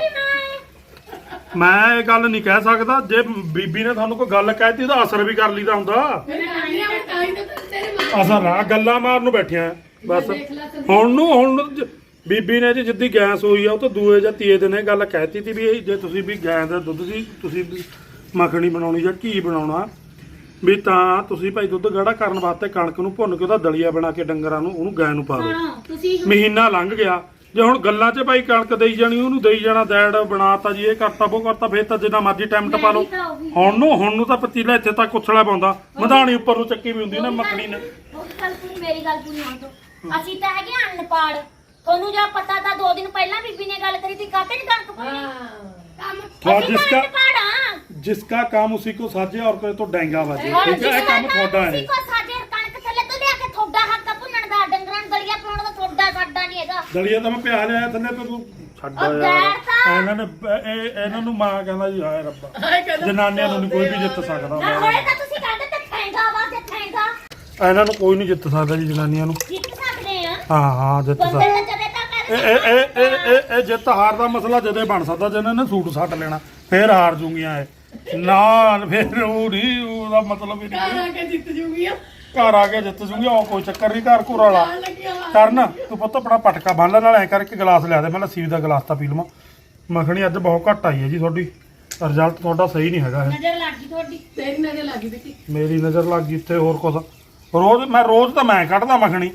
A: ਮੈਂ ਇਹ ਗੱਲ ਨਹੀਂ ਕਹਿ ਸਕਦਾ। ਜੇ ਬੀਬੀ ਨੇ ਤੁਹਾਨੂੰ ਕੋਈ ਗੱਲ ਕਹਿਤੀ ਉਹਦਾ ਅਸਰ ਵੀ ਕਰ ਲਈਦਾ ਹੁੰਦਾ।
C: ਮੇਰੇ ਨਾਨੀਆਂ ਨੇ ਤਾਂ ਹੀ ਤਾਂ ਤੇਰੇ ਮਾਂ
A: ਅਸਰ ਆ ਗੱਲਾਂ ਮਾਰਨ ਨੂੰ ਬੈਠਿਆ ਬਸ।
C: ਦੇਖ ਲੈ ਸੰਦੀਪ।
A: ਹੁਣ ਬੀਬੀ ਨੇ ਜੀ ਜਿੱਦੀ ਗੈਸ ਹੋਈ ਆ ਉਹ ਤਾਂ ਦੂਏ ਜਾਂ ਤੀਏ ਦਿਨ ਇਹ ਗੱਲ ਕਹਿਤੀ ਤੀ ਵੀ ਇਹ ਜੇ ਤੁਸੀਂ ਵੀ ਗੈਸ ਦਾ ਦੁੱਧ ਦੀ ਤੁਸੀਂ ਮੱਖਣੀ ਬਣਾਉਣੀ ਜਾਂ ਘੀ ਬਣਾਉਣਾ ਵੀ ਤਾਂ ਤੁਸੀਂ ਭਾਈ ਦੁੱਧ ਗਾੜਾ ਕਰਨ ਵਾਸਤੇ ਕਣਕ ਨੂੰ ਭੁੰਨ ਕੇ ਉਹਦਾ ਦਲੀਆ ਬਣਾ ਕੇ ਡੰਗਰਾਂ ਨੂੰ ਉਹਨੂੰ ਗਾਂ ਨੂੰ ਪਾ ਦਿਓ।
B: ਸੁਣੋ ਤੁਸੀਂ
A: ਮਹੀਨਾ ਲੰਘ ਗਿਆ ਜੇ ਹੁਣ ਗੱਲਾਂ 'ਚ ਭਾਈ ਕਣਕ ਦੇਈ ਜਾਣੀ ਉਹਨੂੰ ਦੇਈ ਜਾਣਾ ਦੈੜ ਬਣਾਤਾ ਜੀ ਇਹ ਕਰਤਾ ਉਹ ਕਰਤਾ ਫੇਰ ਤਾਂ ਜਿੰਨਾ ਮਰਜ਼ੀ ਟਾਈਮ ਟਪਾ ਲਓ। ਹੁਣ ਨੂੰ ਤਾਂ ਪਤੀਲਾ ਇੱਥੇ ਤੱਕ ਉਛਲਾ ਪਾਉਂਦਾ ਮਧਾਣੀ ਉੱਪਰ ਨੂੰ ਚੱਕੀ ਵੀ ਹੁੰਦੀ ਨਾ ਮੱਖਣੀ ਨੇ।
B: ਉਹ ਗੱਲ ਪੂਰੀ ਮੇਰੀ ਗੱਲ ਪੂਰੀ ਹੋਣ ਤੋਂ ਅਸੀਂ ਤਾਂ ਹੈਗੇ ਅਨਪੜ੍ਹ ਤੁਹਾਨੂੰ ਜਾਂ ਪਤਾ ਤਾਂ 2 ਦਿਨ ਪਹਿਲਾਂ ਬੀਬੀ ਨੇ ਗੱਲ ਕਰੀ ਸੀ ਕਾਤੇ ਨਹੀਂ ਕਣਕ ਭੁੰਨੀ ਕੰਮ ਅਸੀਂ ਤਾਂ ਅਨਪੜ੍ਹ ਆ
A: जिसका काम उसी को साजे और कोई तो डेंगा बाजे
B: ਹੁਣ
A: ठीक है ये काम थोड़ा है
B: ਅਸੀਂ ਕੋ ਸਾਡੇ ਕਣਕ ਥੱਲੇ ਤੋਂ ਲਿਆ ਕੇ ਥੋੜਾ ਹੱਕ ਭੁੰਨਣ ਦਾ ਡੰਗਰਾਂ ਨੂੰ ਦਲੀਆ ਪਾਉਣ ਦਾ ਥੋੜਾ ਸਾਡਾ ਨਹੀਂ ਹੈਗਾ
A: ਦਲੀਆ ਤਾਂ ਮੈਂ ਪਿਆ ਲਿਆ ਥੱਲੇ ਤੇ ਤੂੰ ਛੱਡ
B: ਉਹ
A: ਯਾਰ
B: ਗੈਰ ਤਾਂ-
A: ਇਹਨਾਂ ਨੂੰ ਮਾਂ ਕਹਿੰਦਾ ਜੀ ਹਾਏ ਰੱਬਾ
C: ਹਾਏ ਕਹਿੰਦਾ
A: ਜਨਾਨੀਆਂ ਨੂੰ ਨੀ ਕੋਈ ਵੀ ਜਿੱਤ ਸਕਦਾ
B: ਨਾ ਹੋਏ ਤਾਂ ਤੁਸੀਂ ਕਹਿੰਦੇ ਤੇ ਠੈਂਗਾ ਵਾ ਤੇ ਠੈਂਗਾ
A: ਇਹਨਾਂ ਨੂੰ ਕੋਈ ਨਹੀਂ ਜਿੱਤ ਸਕਦਾ ਜੀ ਜਨਾਨੀਆਂ ਨੂੰ
B: ਜਿੱਤ ਸਕਦੇ ਆ
A: ਹਾਂ ਜਿੱਤ
B: ਬੰਦੇ
A: ਸਕਦਾ
B: ਤਾਂ ਜਦੇ ਤਾਂ
A: ਇਹ
B: ਕਹਿੰਦੇ
A: ਇਹ ਜਿੱਤ ਹਾਰ ਦਾ ਮਸਲਾ ਜਦੇ ਬਣ ਸਕਦਾ ਜੇ ਇਹਨਾਂ ਨੇ ਸੂਟ ਸੱਟ ਲੈਣਾ ਫੇਰ ਹਾਰ ਜੂਗੀਆਂ ਇਹ ਨਾ ਫੇਰ ਉਹ ਨਹੀਂ ਉਹਦਾ ਮਤਲਬ ਹੀ
C: ਘਰ
A: ਨਹੀਂ
C: ਆ ਕੇ ਜਿੱਤ ਜੂਗੀ ਆ
A: ਘਰ ਆ ਕੇ ਜਿੱਤ ਜੂਗੀ ਉਹ ਕੋਈ ਚੱਕਰ ਨਹੀਂ ਘਰ ਘੁਰ ਵਾਲਾ
C: ਆਣ ਲੱਗਿਆ ਵਾ।
A: ਕਰਨ ਤੂੰ ਪੁੱਤ ਆਪਣਾ ਪਟਕਾ ਬੰਨ ਲੈ ਨਾਲ ਐ ਕਰਕੇ ਗਲਾਸ ਲਿਆ ਦੇ ਮੈਂ ਲੱਸੀ ਦਾ ਗਲਾਸ ਤਾਂ ਪੀ ਲਵਾਂ ਮੱਖਣੀ ਅੱਜ ਬਹੁਤ ਘੱਟ ਆਈ ਹੈ ਜੀ ਤੁਹਾਡੀ ਰਿਜ਼ਲਟ ਤੁਹਾਡਾ ਸਹੀ ਨਹੀਂ ਹੈਗਾ ਇਹ
B: ਨਜ਼ਰ ਲੱਗ ਗਈ ਤੁਹਾਡੀ
C: ਤੇਰੀ ਨਜ਼ਰ ਲੱਗੀ ਬੇਟੀ
A: ਮੇਰੀ ਨਜ਼ਰ ਲੱਗ ਗਈ ਇੱਥੇ ਹੋਰ ਕੁਛ ਰੋਜ਼ ਤਾਂ ਮੈਂ ਕੱਢਦਾ ਮੱਖਣੀ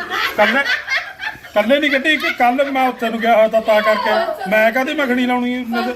A: ਕੱਲੇ ਨਹੀਂ ਕੱਢੀ ਕਿ ਕੱਲ ਮੈਂ ਉੱਥੇ ਨੂੰ ਗਿਆ ਹੋਇਆ ਤਾਂ ਕਰਕੇ ਮੈਂ ਕਾਹਦੀ ਮੱਖਣੀ ਲਾਉਣੀ ਨਜ਼ਰ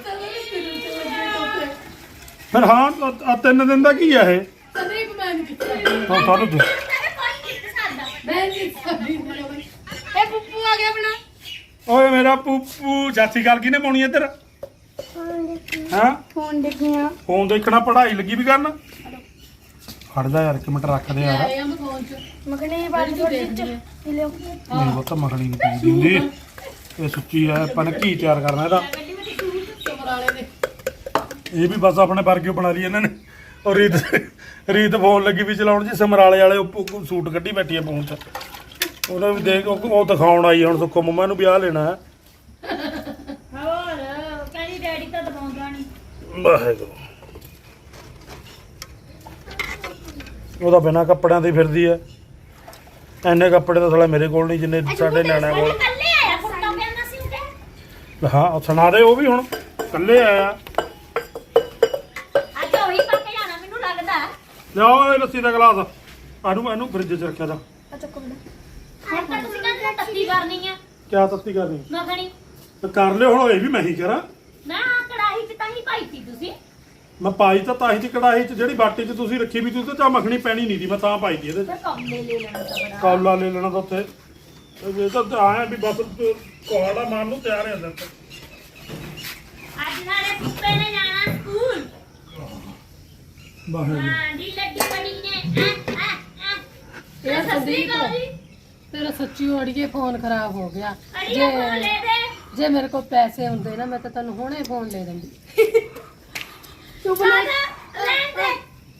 A: ਫਿਰ ਹਾਂ 3 ਦਿਨ ਦਾ ਕੀ ਆ ਇਹ
C: ਸੰਦੀਪ ਮੈਂ ਨਹੀਂ ਕੀਤਾ
A: ਹੁਣ ਤੁਹਾਨੂੰ
B: ਕੋਈ ਜਿੱਤ ਸਕਦਾ
C: ਮੈਂ ਨਹੀਂ ਸੰਦੀਪ
B: ਇਹ ਪੁੱਪੂ ਆ ਗਿਆ ਆਪਣਾ
A: ਓਏ ਮੇਰਾ ਪੂਪੂ ਚਾਚੀ ਗੱਲ ਕਿਹਨੇ ਪਾਉਣੀ ਇੱਧਰ ਹਾਂ
B: ਫੋਨ ਦੇਖਿਆ
A: ਫੋਨ ਦੇਖਣਾ ਪੜ੍ਹਾਈ ਲੱਗੀ ਵੀ ਕਰਨ ਖੜਦਾ ਯਾਰ 1 ਮਿੰਟ ਰੱਖ ਦੇ ਯਾਰ
C: ਆਇਆ ਮੈਂ ਫੋਨ ਚ
B: ਮਗਨੇ ਵਾਲੀ ਥੋੜੀ ਜਿਹੀ ਲਿਓ
A: ਨਹੀਂ ਉਹ ਤਾਂ ਮੱਖਣੀ ਨਹੀਂ ਪੀਂਦੀ ਹੁੰਦੀ ਇਹ ਸੁੱਚੀ ਆ ਆਪਾਂ ਨੇ ਘੀ ਤਿਆਰ ਕਰਨਾ ਇਹਦਾ
C: ਸਮਰਾਲੇ ਦੇ
A: ਇਹ ਵੀ ਬਸ ਆਪਣੇ ਵਰਗੇ ਬਣਾ ਲਈ ਇਹਨਾਂ ਨੇ ਔਰ ਰੀਤ ਫੋਨ ਲੱਗੀ ਵੀ ਚਲਾਉਣ ਜੀ ਸਮਰਾਲੇ ਵਾਲੇ ਉਹ ਸੂਟ ਕੱਢੀ ਬੈਠੀ ਆ ਫੋਨ 'ਚ ਉਹਨਾਂ ਵੀ ਦੇਖ ਉਹ ਦਿਖਾਉਣ ਆਈ ਹੁਣ ਸੁੱਖੋ ਮੰਮਾ ਨੂੰ ਵਿਆਹ ਲੈਣਾ ਹੈ
B: ਹੋਰ ਕਹਿੰਦੀ ਡੈਡੀ ਤਾਂ ਦਬਾਉਂਦਾ ਨਹੀਂ
A: ਵਾਹਿਗੁਰੂ ਉਹਦਾ ਬਿਨਾਂ ਕੱਪੜਿਆਂ ਦੀ ਫਿਰਦੀ ਐ ਐਨੇ ਕੱਪੜੇ ਤਾਂ ਸਾਲਾ ਮੇਰੇ ਕੋਲ ਨਹੀਂ ਜਿੰਨੇ ਸਾਡੇ ਨਿਆਣਿਆਂ ਕੋਲ
B: ਕੱਲੇ ਆਇਆ ਫੋਟੋ ਕਹਿੰਦਾ ਸੀ ਉਹਦੇ
A: ਹਾਂ ਉਹ ਸੁਣਾ ਦੇ ਉਹ ਵੀ ਹੁਣ ਇਕੱਲੇ ਆਇਆ
B: ਅੱਜ ਉਹੀ ਪਾ ਕੇ ਜਾਣਾ ਮੈਨੂੰ ਲੱਗਦਾ
A: ਲਿਆਓ ਇਹ ਲੱਸੀ ਦਾ ਗਲਾਸ ਇਹਨੂੰ ਫ੍ਰਿਜ 'ਚ ਰੱਖਿਆ ਦਾ
B: ਅੱਛਾ ਕੋਲ ਹੁਣ ਤਾਂ ਤੁਸੀਂ ਕਹਿੰਦੇ ਤੱਤੀ ਕਰਨੀ ਆ
A: ਕਿਆ ਤੱਤੀ ਕਰਨੀ
B: ਮੱਖਣੀ
A: ਤੇ ਕਰ ਲਿਓ ਹੁਣ ਇਹ ਵੀ ਮੈਂ ਹੀ ਕਰਾਂ
B: ਮੈਂ ਆਹ ਕੜਾਹੀ 'ਚ ਤਾਂ ਹੀ ਪਾਈ ਸੀ ਤੁਸੀਂ
A: ਮੈਂ ਪਾਈ ਤਾਂ ਤਾਹੀ ਚ ਕੜਾਹੀ ਚ ਜਿਹੜੀ ਬਾਟੀ ਚ ਤੁਸੀਂ ਰੱਖੀ ਵੀ ਤੁਸੀਂ ਤਾਂ ਮੱਖਣੀ ਪੈਣੀ ਨਹੀਂ ਦੀ ਮੈਂ ਤਾਂ ਪਾਈ ਦੀ ਇਹਦੇ ਚ
B: ਫਿਰ ਕੌਲੇ ਲੈ ਲੈਣਾ ਤਾਂ ਬੜਾ
A: ਕੌਲਾ ਲੈ ਲੈਣਾ ਤਾਂ ਉੱਥੇ ਇਹ ਤਾਂ ਆਇਆ ਵੀ ਬਸ ਕੋਹੜਾ ਮਾਰਨ ਨੂੰ ਤਿਆਰ ਹੈ ਅੰਦਰ
B: ਅੱਜ ਨਾਲੇ ਪੁੱਪੇ ਨੇ ਜਾਣਾ ਸਕੂਲ
A: ਵਾਹਿਗੁਰੂ
B: ਹਾਂ ਜੀ ਲੱਡੀ ਬਣੀ ਨੇ
C: ਇਹ
B: ਸਸਰੀ
C: ਸੰਦੀਪ
B: ਕੋ ਜੀ
C: ਤੇਰਾ ਸੱਚੀ ਅੜੀਏ ਫੋਨ ਖਰਾਬ ਹੋ ਗਿਆ
B: ਅੜੀਏ ਫੋਨ ਲੈ ਦੇ
C: ਜੇ ਮੇਰੇ ਕੋਲ ਪੈਸੇ ਹੁੰਦੇ ਨਾ ਮੈਂ ਤਾਂ ਤੈਨੂੰ ਹੁਣੇ ਫੋਨ ਲੈ ਦਿੰਦੀ
B: ਚੁੱਪ ਲੈ ਦੇ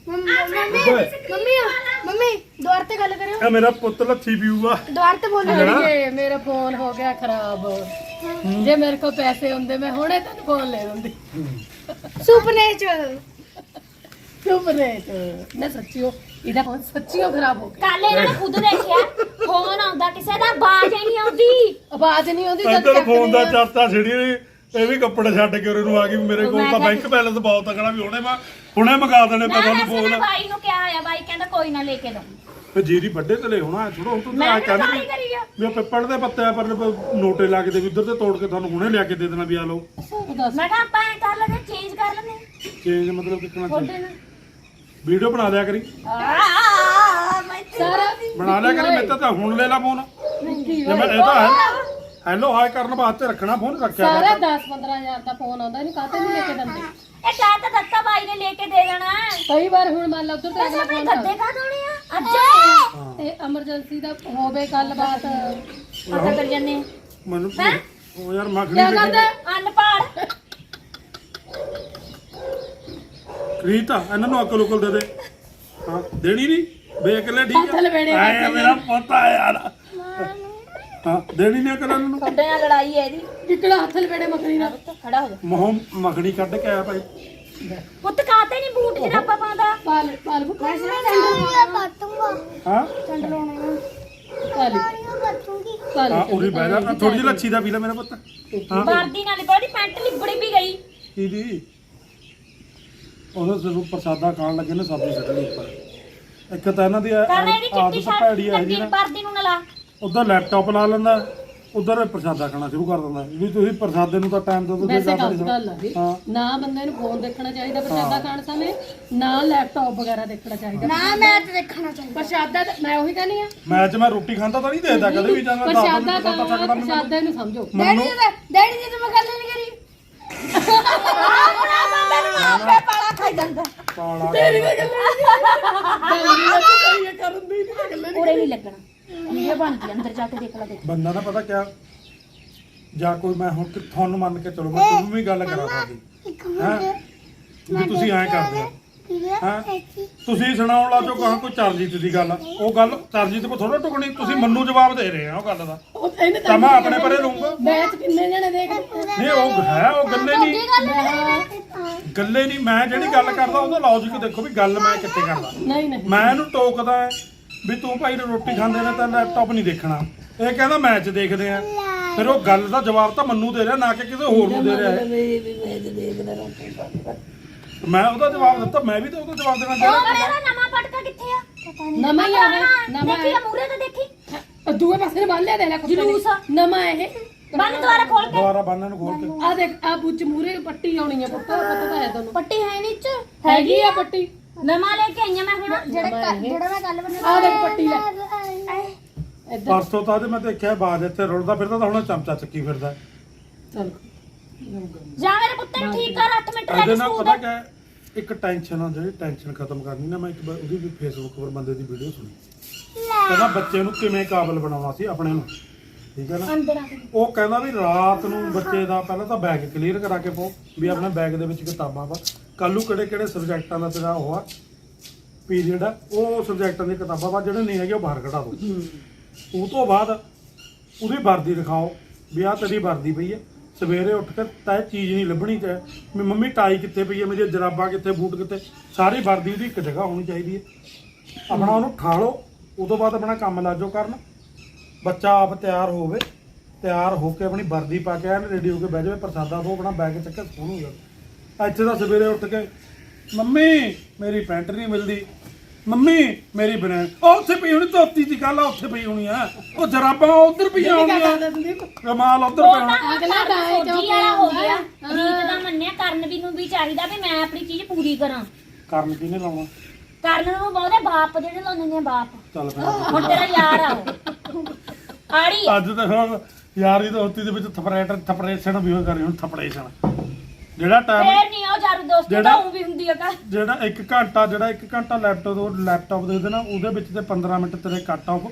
D: ਮੰਮੀ ਦੁਆਰ ਤੇ ਗੱਲ ਕਰਿਓ
A: ਇਹ ਮੇਰਾ ਪੁੱਤ ਲੱਥੀ ਪੀਊਗਾ
D: ਦੁਆਰ ਤੇ ਬੋਲੋ
C: ਅੜੀਏ ਮੇਰਾ ਫੋਨ ਹੋ ਗਿਆ ਖਰਾਬ ਜੇ ਮੇਰੇ ਕੋਲ ਪੈਸੇ ਹੁੰਦੇ ਮੈਂ ਹੁਣੇ ਤੈਨੂੰ ਫੋਨ ਲੈ ਦਿੰਦੀ
D: ਸੁਪਨੇ ਚ
C: ਚੁੱਪ ਰਹਿ ਤੂੰ ਨਾ ਸੱਚੀਓ ਇਹਦਾ ਫੋਨ ਸੱਚੀਓ ਖਰਾਬ ਹੋ ਗਿਆ
B: ਕੱਲ ਇਹਨਾਂ ਨੇ ਖੁਦ ਦੇਖਿਆ ਫੋਨ ਆਉਂਦਾ ਕਿਸੇ ਦਾ ਆਵਾਜ਼ ਹੀ ਨਹੀਂ ਆਉਂਦੀ
C: ਆਵਾਜ਼ ਨਹੀਂ ਆਉਂਦੀ ਜਦ
A: ਇੱਧਰ ਫੋਨ ਦਾ
C: ਚੱਕਦੀ ਆ।
A: ਚਰਚਾ ਛਿੜੀ ਇਹ ਵੀ ਕੱਪੜੇ ਛੱਡ ਕੇ ਉਹਨੂੰ ਆ ਗਈ ਵੀ ਮੇਰੇ ਕੋਲ ਤਾਂ ਬੈਂਕ ਬੈਲੈਂਸ ਬਹੁਤ ਤਕੜਾ ਵੀ ਹੁਣੇ ਮੰਗਾ ਦੇਣੇ
B: ਨਾ
A: ਪਤਾ
B: ਨਾ
A: ਨਹੀਂ
B: ਸੁਣਾ
A: ਫੋਨ
B: ਬਾਈ ਨੂੰ ਕਿਹਾ ਆ ਬਾਈ ਕਹਿੰਦਾ ਕੋਈ ਨਾ ਲੈ ਕੇ ਦੋ
A: ਫਿਰ ਜੀਰੀ ਵੱਡੇ ਤੇ ਲੈ ਹੋਣਾ ਥੋੜਾ ਹੁਣ ਤੂੰ
B: ਮੈਂ
A: ਆ
B: ਤਾਂ
A: ਕਹਿੰਦਾ
B: ਸਾਰੀ ਕਰੀ ਆ
A: ਵੀ ਉਹ ਪਿੱਪਲ ਦੇ ਪੱਤੇ ਆ ਪਰ ਨੋਟੇ ਲਾ ਕੇ ਦੇ ਵੀ ਉੱਧਰ ਤੇ ਤੋੜ ਕੇ ਤੁਹਾਨੂੰ ਹੁਣੇ ਲਿਆ ਕੇ ਦੇ ਦੇਣਾ ਵੀ ਆ ਲਓ
C: ਉਹ ਦੱਸ
B: ਮੈਂ ਕਿਹਾ ਆਪਾਂ ਐ ਕਰ ਲਗੇ ਚੇਂਜ ਕਰ
A: ਚੇਂਜ ਮਤਲਬ ਕਿੱਕਣਾ
B: ਤੁਹਾਡੇ
A: ਚੇਂਜ
B: ਨਾਲ
A: ਵੀਡੀਓ ਬਣਾ ਲਿਆ ਕਰੀ
C: ਸਾਰਾ
A: ਬਣਾ ਲਿਆ ਕਰੀ ਮੈਂ ਤਾਂ ਹੁਣ ਲੈ ਲਾ ਫੋਨ
C: ਵਿੱਕੀ
A: ਜੇ ਮੈਂ ਇਹ ਤਾਂ ਹੈਲੋ ਹਾਈ ਕਰਨ ਵਾਸਤੇ ਰੱਖਣਾ ਫੋਨ ਰੱਖਿਆ
C: ਸਾਰਾ
A: ਕਰ
C: 10-15 ਹਜ਼ਾਰ ਦਾ ਫੋਨ ਆਉਂਦਾ ਇਹਨੂੰ ਕਾਹਤੇ ਨਹੀਂ ਲੈ ਕੇ ਦਿੰਦੇ
B: ਇਹ ਕਹਿ ਤਾਂ ਦਿੱਤਾ ਬਾਈ ਨੇ ਲੈ ਕੇ ਦੇ ਜਾਣਾ
C: ਕਈ ਵਾਰ ਹੁਣ ਮੰਨ ਲਾ ਉਧਰ ਤੇ
B: ਬਸ
C: ਅਗਲਾ
B: ਆਪਣੇ
C: ਫੋਨ
B: ਗੱਦੇ ਕਾ ਦੋਣੇ ਆ ਅੱਜ
A: ਹਾਂ
C: ਤੇ ਐਮਰਜੈਂਸੀ ਦਾ ਹੋਵੇ ਗੱਲਬਾਤ
B: ਪਤਾ ਕਰ ਜੰਨੇ
A: ਮੈਨੂੰ ਉਹ ਯਾਰ ਮੱਖਣੀ
C: ਕਿਆ ਕਰਦਾ
B: ਅਨਪੜ
A: ਰੀਤਾ ਇਹਨਾਂ ਨੂੰ ਅਕਲ ਉਕਲ ਦੇ ਦੇ ਹਾਂ ਦੇਣੀ ਨਹੀਂ ਵੇਖ ਲੈ ਠੀਕ
C: ਹੱਥ ਲਵੇੜੇ
A: ਆਏ ਮੇਰਾ ਪੋਤਾ ਯਾਰ ਹਾਂ ਦੇਣੀ ਨਹੀਂ ਅਕਲ ਇਹਨਾਂ ਨੂੰ
B: ਤੁਹਾਡੇ ਨਾਲ ਲੜਾਈ ਹੈ ਇਹਦੀ
C: ਕਿਕੜਾ ਹੱਥ ਲਵੇੜੇ ਮੱਖਣੀ ਨਾਲ
B: ਖੜਾ ਹੋ ਜਾ
A: ਮੋਹ ਮੱਖਣੀ ਕੱਢ ਕੇ ਆਇਆ ਭਾਈ
B: ਪੁੱਤ ਕਾਤੇ ਨਹੀਂ ਬੂਟ ਜਰਾਬਾ ਪਾਉਂਦਾ
C: ਪਾਲ ਬੁੱਕ
A: ਹਾਂ
B: ਚੰਡ ਲਾਉਣੇ ਆ
C: ਪਾਲ
A: ਹਾਂ ਉਰੀ ਬਹਿ ਜਾ ਥੋੜੀ ਜਿਹੀ ਲੱਛੀ ਦਾ ਪੀ ਲੈ ਮੇਰਾ ਪੁੱਤ ਹਾਂ
B: ਵਰਦੀ ਨਾਲ ਬੜੀ ਪੈਂਟ ਲਿਬੜੀ ਵੀ ਗਈ
A: ਦੀਦੀ ਉਹਦਾ ਜ਼ਰੂਰ ਪ੍ਰਸਾਦਾ ਖਾਣ ਲੱਗੇ ਨੇ ਸਬਜ਼ੀ ਛੱਡਣੀ ਉੱਪਰ ਇੱਕ ਤਾਂ ਇਹਨਾਂ ਦੀ
B: ਕਰਨਾ ਇਹਦੀ ਚਿੱਟੀ
A: ਆਦਤ
B: ਸ਼ਰਟ
A: ਭੈੜੀ ਆ ਜੀ
B: ਲੱਗੀ
A: ਨਾ
B: ਵਰਦੀ ਨੂੰ ਨਾ ਲਾ
A: ਉਧਰ ਲੈਪਟਾਪ ਲਾ ਲੈਂਦਾ ਉਧਰ ਪ੍ਰਸਾਦਾ ਖਾਣਾ ਸ਼ੁਰੂ ਕਰ ਦਿੰਦਾ ਵੀ ਤੁਸੀਂ ਪ੍ਰਸਾਦੇ ਨੂੰ ਤਾਂ ਟਾਈਮ ਦਿਓ ਤੁਸੀਂ
C: ਵੈਸੇ
A: ਜ਼ਿਆਦਾ
C: ਗੱਲ
A: ਨਹੀਂ
C: ਗੱਲ ਆ ਵੀ
A: ਹਾਂ।
C: ਨਾ ਬੰਦੇ ਨੂੰ ਫੋਨ ਦੇਖਣਾ ਚਾਹੀਦਾ ਪ੍ਰਸ਼ਾਦਾ ਖਾਣ ਸਮੇਂ ਨਾ ਲੈਪਟਾਪ ਵਗੈਰਾ ਦੇਖਣਾ ਚਾਹੀਦਾ
D: ਨਾ ਮੈਂ ਤਾਂ ਦੇਖਣਾ ਚਾਹੀਦਾ
C: ਪ੍ਰਸ਼ਾਦਾ ਤਾਂ- ਮੈਂ ਉਹੀ ਕਹਿੰਦੀ ਆ
A: ਮੈਚ ਮੈਂ ਰੋਟੀ ਖਾਂਦਾ ਤਾਂ ਨਹੀਂ ਦੇਖਦਾ ਕਦੇ ਵੀ ਜਾਂਦਾ
C: ਪ੍ਰਸ਼ਾਦਾ ਖਾਣਾ ਪ੍ਰਸ਼ਾਦੇ ਨੂੰ ਸਮਝੋ
D: ਡੈਡੀ ਜੀ ਤਾਂ ਮੈਂ ਗੱਲ ਨਹੀਂ ਕਰੀ
B: ਆਪੇ ਪਾਲਾ ਖਾਈ ਜਾਂਦਾ
C: ਤੇਰੀ ਤਾਂ ਗੱਲ ਕਰਨ ਦੀ ਨਹੀਂ
B: ਉਰੇ ਨਹੀਂ ਲੱਗਣਾ ਵੀਡੀਓ ਬਣਦੀ ਅੰਦਰ ਜਾ ਕੇ ਦੇਖ ਲੈ ਦੇਖ
A: ਬੰਦਾ ਨਾ ਪਤਾ ਕਿਆ ਜਾਂ ਕੋਈ ਮੈਂ ਹੁਣ ਤੁਹਾਨੂੰ ਮੰਨ ਕੇ ਚਲੋ ਮੈਂ ਤੁਹਾਨੂੰ ਵੀ ਗੱਲ ਕਰਾ ਸਕਦੀ ਹਾਂ ਵੀ ਤੁਸੀਂ ਐਂ ਕਰਦੇ ਹੋ ਹਾਂ ਤੁਸੀਂ ਸੁਣਾਉਣ ਲੱਗ ਜਾਓ ਕਹਾਂ ਕੋਈ ਚਰਜੀਤ ਦੀ ਗੱਲ ਉਹ ਗੱਲ ਚਰਜੀਤ ਕੋ ਥੋੜਾ ਟੁਕਣੀ ਤੁਸੀਂ ਮੈਨੂੰ ਜਵਾਬ ਦੇ ਰਹੇ ਆ ਉਹ ਗੱਲ ਦਾ
C: ਉਹ ਇਹਨੇ
A: ਤਾਂ ਮੈਂ ਆਪਣੇ ਪਰੇ ਲਊਂਗਾ
C: ਮੈਚ ਕਿੰਨੇ ਜਣੇ ਦੇਖ
A: ਨਹੀਂ ਉਹ ਹੈ ਉਹ ਗੱਲੇ ਨਹੀਂ ਗੱਲੇ ਨਹੀਂ ਮੈਂ ਜਿਹੜੀ ਗੱਲ ਕਰਦਾ ਉਹਦਾ ਲੌਜੀਕ ਦੇਖੋ ਵੀ ਗੱਲ ਮੈਂ ਕਿੱਥੇ ਕਰਦਾ
C: ਨਹੀਂ ਨਹੀਂ
A: ਮੈਂ ਇਹਨੂੰ ਟੋਕਦਾ ਹੈ ਵੀ ਤੂੰ ਭਾਈ ਰੋਟੀ ਖਾਂਦੇ ਨੇ ਤਾਂ ਲੈਪਟਾਪ ਨਹੀਂ ਦੇਖਣਾ ਇਹ ਕਹਿੰਦਾ ਮੈਚ ਦੇਖਦੇ ਆ ਫਿਰ ਉਹ ਗੱਲ ਦਾ ਜਵਾਬ ਤਾਂ ਮੈਨੂੰ ਦੇ ਰਿਹਾ ਨਾ ਕਿ ਕਿਸੇ ਹੋਰ ਨੂੰ ਦੇ ਰਿਹਾ ਹੈ ਮੈਂ ਉਹਦਾ ਜਵਾਬ ਦਿੱਤਾ ਮੈਂ ਵੀ ਤਾਂ ਉਹਦਾ ਜਵਾਬ ਦੇਣਾ
B: ਉਹ
A: ਚਾਹੀਦਾ
B: ਮੇਰਾ ਨਵਾਂ ਪਟਕਾ ਕਿੱਥੇ ਆ ਪਤਾ ਨਹੀਂ
C: ਨਵਾਂ ਹੀ ਆ ਇਹ, ਨਵਾਂ
B: ਦੇਖੀ
C: ਹੈ।
B: ਮੂਰੇ ਤੇ ਦੇਖੀ
C: ਦੂਏ ਪਾਸੇ ਨੇ ਬੰਨ ਲਿਆ ਦੇ ਲੈ ਕੁੱਤੇ ਨੇ।
B: ਜਲੂਸ ਆ।
C: ਨਵਾਂ ਇਹ
B: ਬੰਨ ਦੁਆਰਾ ਖੋਲ ਕੇ
A: ਦੁਬਾਰਾ ਬੰਨਾਂ ਨੂੰ ਖੋਲ ਕੇ
C: ਆ ਦੇਖ ਆ ਬੁੱਚ ਮੂਰੇ ਪੱਟੀ ਆਉਣੀ ਆ ਪੁੱਤ ਪਤਾ ਤਾਂ ਹੈ ਤੁਹਾਨੂੰ
B: ਪੱਟੀ ਹੈ ਨੀ ਚ
C: ਹੈਗੀ ਆ ਪੱਟੀ
B: ਨਵਾਂ ਲੈ ਕੇ ਆਈਆਂ ਮੈਂ ਹੁਣ
D: ਜਿਹੜਾ ਮੈਂ ਗੱਲ ਬਣਾ
C: ਆ ਦੇਖ ਪੱਟੀ ਲੈ ਇੱਧਰ
A: ਪਰਸੋਂ ਤਾਂ ਤੇ ਮੈਂ ਦੇਖਿਆ ਬਾਜ ਇੱਥੇ ਰੁਲਦਾ ਫਿਰਦਾ ਤਾਂ ਹੁਣ ਚਮਚਾ ਚੱਕੀ ਫਿਰਦਾ
C: ਚੱਲ
B: ਜਾ ਮੇਰੇ ਪੁੱਤ ਨੂੰ ਠੀਕ ਕਰ 8 ਮਿੰਟ ਰਹਿ
A: ਇਹਦੇ
B: ਗਏ
A: ਨਾਲ
B: ਸਕੂਲ
A: ਪਤਾ
B: ਦੇ
A: ਕਿਆ ਹੈ? ਇੱਕ ਟੈਨਸ਼ਨ ਆ ਜਿਹੜੀ ਟੈਨਸ਼ਨ ਖਤਮ ਕਰਨੀ ਨਾ ਮੈਂ ਇੱਕ ਵਾਰ ਉਹਦੀ ਵੀ ਫੇਸਬੁੱਕ 'ਤੇ ਬੰਦੇ ਦੀ ਵੀਡੀਓ ਸੁਣੀ ਕਹਿੰਦਾ ਬੱਚੇ ਨੂੰ ਕਿਵੇਂ ਕਾਬਲ ਬਣਾਉਣਾ ਸੀ ਆਪਣੇ ਨੂੰ ਠੀਕ ਹੈ ਨਾ
B: ਅੰਦਰ ਆ ਕੇ
A: ਉਹ ਕਹਿੰਦਾ ਵੀ ਰਾਤ ਨੂੰ ਬੱਚੇ ਦਾ ਪਹਿਲਾਂ ਤਾਂ ਬੈਗ ਕਲੀਅਰ ਕਰਾ ਕੇ ਪਾਓ ਵੀ ਆਪਣੇ ਬੈਗ ਦੇ ਵਿੱਚ ਕਿਤਾਬਾਂ ਵਾ ਕੱਲ ਨੂੰ ਕਿਹੜੇ ਕਿਹੜੇ ਸਬਜੈਕਟਾਂ ਦਾ ਤੇਰਾ ਉਹ ਆ ਪੀਰੀਅਡ ਆ ਉਹ ਸਬਜੈਕਟਾਂ ਦੀਆਂ ਕਿਤਾਬਾਂ ਵਾ ਜਿਹੜੇ ਨਹੀਂ ਹੈਗੇ ਉਹ ਬਾਹਰ ਕਢਾ ਦਿਓ ਉਹ ਤੋਂ ਬਾਅਦ ਉਹਦੀ ਵਰਦੀ ਦਿਖਾਓ ਵੀ ਆਹ ਤੇਰੀ ਵਰਦੀ ਪਈ ਹੈ ਸਵੇਰੇ ਉੱਠ ਕੇ ਤਾਂ ਇਹ ਚੀਜ਼ ਨਹੀਂ ਲੱਭਣੀ ਤੇ ਵੀ ਮੰਮੀ ਟਾਈ ਕਿੱਥੇ ਪਈ ਹੈ ਮੇਰੀ ਜਰਾਬਾਂ ਕਿੱਥੇ ਬੂਟ ਕਿੱਥੇ ਸਾਰੀ ਵਰਦੀ ਉਹਦੀ ਇੱਕ ਜਗ੍ਹਾ ਹੋਣੀ ਚਾਹੀਦੀ ਹੈ ਆਪਣਾ ਉਹਨੂੰ ਠਾ ਲਓ ਉਹ ਤੋਂ ਬਾਅਦ ਆਪਣਾ ਕੰਮ ਲਾ ਜਾਓ ਕਰਨ ਬੱਚਾ ਆਪ ਤਿਆਰ ਹੋਵੇ ਤਿਆਰ ਹੋ ਕੇ ਆਪਣੀ ਵਰਦੀ ਪਾ ਕੇ ਐਨ ਰੈਡੀ ਹੋ ਕੇ ਬਹਿ ਜਾਵੇ ਪ੍ਰਸਾਦਾ ਤੋਂ ਆਪਣਾ ਬੈਗ ਚੱਕ ਕੇ ਸਕੂਲ ਹੋ ਜਾਵੇ ਇੱਥੇ ਤਾਂ ਸਵੇਰੇ ਉੱਠ ਕੇ ਮੰਮੀ ਮੇਰੀ ਪੈਂਟ ਨਹੀਂ ਮਿਲਦੀ ਮੰਮੀ ਮੇਰੀ ਬਨੈਣ ਉਹ ਉੱਥੇ ਪਈ ਹੋਣੀ ਧੋਤੀ ਦੀ ਗੱਲ ਆ ਉੱਥੇ ਪਈ ਹੋਣੀ ਆ ਉਹ ਜਰਾਬਾਂ ਉਧਰ ਪਈਆਂ ਹੋਣੀਆਂ ਰਮਾਲ ਉਧਰ
B: ਉਹ
A: ਪੈਣਾ
B: ਤਾਂ
C: ਅਗਲਾ ਤਾਂ ਇਹ
B: ਫੌਜੀ ਵਾਲਾ ਹੋ ਗਿਆ ਰੀਤ ਦਾ ਮੰਨਿਆ ਕਰਨ ਵੀ ਨੂੰ ਵੀ ਚਾਹੀਦਾ ਵੀ ਮੈਂ ਆਪਣੀ ਚੀਜ਼ ਪੂਰੀ ਕਰਾਂ
A: ਕਰਨ ਕਿਹਨੇ ਲਾਉਣਾ
B: ਕਰਨ ਨੂੰ ਬਹੁਤੇ ਬਾਪ ਜਿਹੜੇ ਲਾਉਂਦੇ ਨੇ ਬਾਪ
A: ਚੱਲ ਫਿਰ
B: ਹੁਣ ਤੇਰਾ ਯਾਰ ਆ ਉਹ ਆੜੀ
A: ਅੱਜ ਤਾਂ ਹੁਣ ਯਾਰੀ ਦੋਸਤੀ ਦੇ ਵਿੱਚ ਥਪਰੇਸ਼ਨ ਵੀ ਹੋ ਕਰੀ ਹੁਣ ਥਪਰੇਸ਼ਨ ਜਿਹੜਾ ਟਾਈਮ
B: ਫੇਰ ਨਹੀਂ ਉਹ ਯਾਰ ਦੋਸਤ
A: ਜਿਹੜਾ-
B: ਤਾਂ ਉਹ ਵੀ ਹੁੰਦੀ ਆ ਕਾ
A: ਜਿਹੜਾ 1 ਘੰਟਾ ਲੈਪਟਾਪ ਦੇ ਦੇਣਾ ਉਹਦੇ ਵਿੱਚ ਤੇ 15 ਮਿੰਟ ਤੇਰੇ ਕੱਟ ਆਫ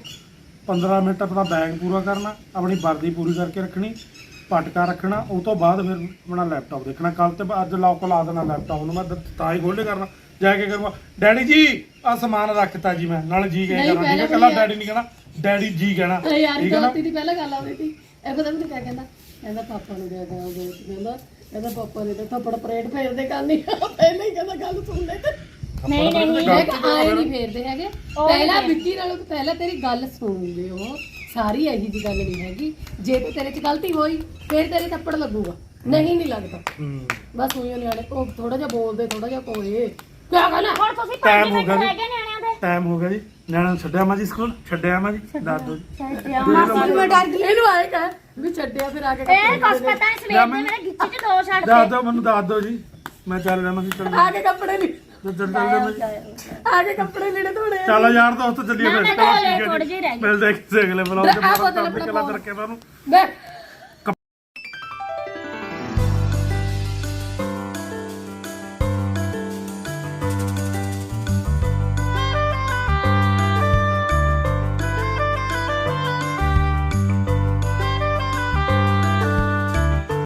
A: 15 ਮਿੰਟ ਆਪਣਾ ਬੈਗ ਪੂਰਾ ਕਰਨਾ ਆਪਣੀ ਵਰਦੀ ਪੂਰੀ ਕਰਕੇ ਰੱਖਣੀ ਪਟਕਾ ਰੱਖਣਾ ਉਹ ਤੋਂ ਬਾਅਦ ਫਿਰ ਆਪਣਾ ਲੈਪਟਾਪ ਦੇਖਣਾ ਕੱਲ ਤੇ ਅੱਜ ਲੌਕ ਲਾ ਦੇਣਾ ਲੈਪਟਾਪ ਨੂੰ ਮੈਂ ਤਾਂ ਹੀ ਖੋਲੇ ਕਰਨਾ ਜਾ ਕੇ ਕਰੂੰਗਾ ਡੈਡੀ ਜੀ ਆ ਸਮਾਨ ਰੱਖਤਾ ਜੀ ਮੈਂ ਨਾਲ ਜੀ
C: ਨਹੀਂ,
A: ਕਹਿ ਕਰਾਂ
C: ਪਹਿਲਾਂ
A: ਕੱਲਾ
C: ਵੀ
A: ਡੈਡੀ ਨਹੀਂ ਕਹਿਣਾ ਡੈਡੀ ਜੀ ਕਹਿਣਾ
C: ਅਰੇ ਯਾਰ
A: ਠੀਕ ਹੈ ਨਾ
C: ਦੋਸਤੀ ਦੀ ਪਹਿਲਾਂ ਗੱਲ ਆਉਂਦੀ ਸੀ ਇਹ ਪਤਾ ਨਹੀਂ ਕਿਆ ਕਹਿੰਦਾ ਪਾਪਾ ਨੂੰ ਦੇ ਦਿਆ ਉਹ ਦੋਸਤ ਕਹਿੰਦਾ ਪਾਪਾ ਨੇ ਤਾਂ ਥੱਪੜ ਪਰੇਡ ਫੇਰਦੇ ਕਰਨੀ ਪਹਿਲਾਂ ਹੀ ਕਹਿੰਦਾ ਗੱਲ ਸੁਣ ਲੈ ਤੇ
B: ਨਹੀਂ ਨਹੀਂ
C: ਮੈਂ ਕਿਹਾ ਆਏ ਨਹੀਂ ਫੇਰਦੇ ਹੈਗੇ ਪਹਿਲਾਂ ਵਿੱਕੀ ਨਾਲੋਂ ਪਹਿਲਾਂ ਤੇਰੀ ਗੱਲ ਸੁਣੂਗੇ ਉਹ ਸਾਰੀ ਇਹੀ ਜੀ ਗੱਲ ਨਹੀਂ ਹੈਗੀ ਜੇ ਤੇ ਤੇਰੇ 'ਚ ਗਲਤੀ ਹੋਈ ਫਿਰ ਤੇਰੇ ਥੱਪੜ ਲੱਗੂਗਾ ਨਹੀਂ ਲੱਗਦਾ ਬਸ ਉਹੀ ਨਿਆਣੇ ਉਹ ਥੋੜਾ ਜਿਹਾ ਬੋਲਦੇ ਥੋੜਾ ਜਿਹਾ ਕੋਏ ਕਿਆ ਕਹਿਣਾ
B: ਹੁਣ ਤੁਸੀਂ 5
A: ਟਾਈਮ ਹੋ
B: ਮਿੰਟ
A: ਗਿਆ
B: ਰਹਿ
A: ਜੀ
B: ਗਏ ਨਿਆਣਿਆਂ ਦੇ
A: ਟਾਈਮ ਹੋ ਗਿਆ ਜੀ ਨਿਆਣਾ ਨੂੰ ਛੱਡਿਆ ਮਾ ਜੀ ਸਕੂਲ ਛੱਡਿਆ ਮਾ ਜੀ ਦੱਸ ਦਿਓ ਜੀ
C: ਮੈਂ ਡਰ ਗਈ ਇਹਨੂੰ ਆਏ ਕਹਿ ਵੀ ਛੱਡਿਆ ਫਿਰ ਆ ਕੇ
B: ਇਹ ਕੁਛ ਪਤਾ ਨਹੀਂ ਸਵੇਰ ਦੇ ਮੇਰੇ ਗਿੱਚੇ ਚ ਦੋ ਛੱਡ
A: ਦੱਸ ਦਿਓ ਮੈਨੂੰ ਦੱਸ ਦਿਓ ਜੀ ਮੈਂ ਚੱਲ ਜਾਣਾ ਸੀ ਚੱਲ
C: ਆ ਕੇ ਕੱਪੜੇ ਨਹੀਂ
A: ਚੱਲ
C: ਆ ਕੇ ਕੱਪੜੇ ਲੈਣੇ ਥੋੜੇ
A: ਚੱਲ ਯਾਰ ਦੋਸਤ ਚੱਲੀਏ
B: ਨਾ,
A: ਫਿਰ
B: ਮੈਂ ਤਾਂ ਹਲੇ ਥੋੜ੍ਹੇ ਜਿਹੇ ਰਹਿ ਗਏ।
A: ਮਿਲਦੇ ਕਿਸੇ ਅਗਲੇ ਬਲੌਗ
C: ਆ
A: ਚ
C: ਬੋਤਲ
A: ਬਹੁਤ
C: ਆਪਣਾ
A: ਕਲਾ ਕਰਕੇ ਤੁਹਾਨੂੰ
C: ਬੈ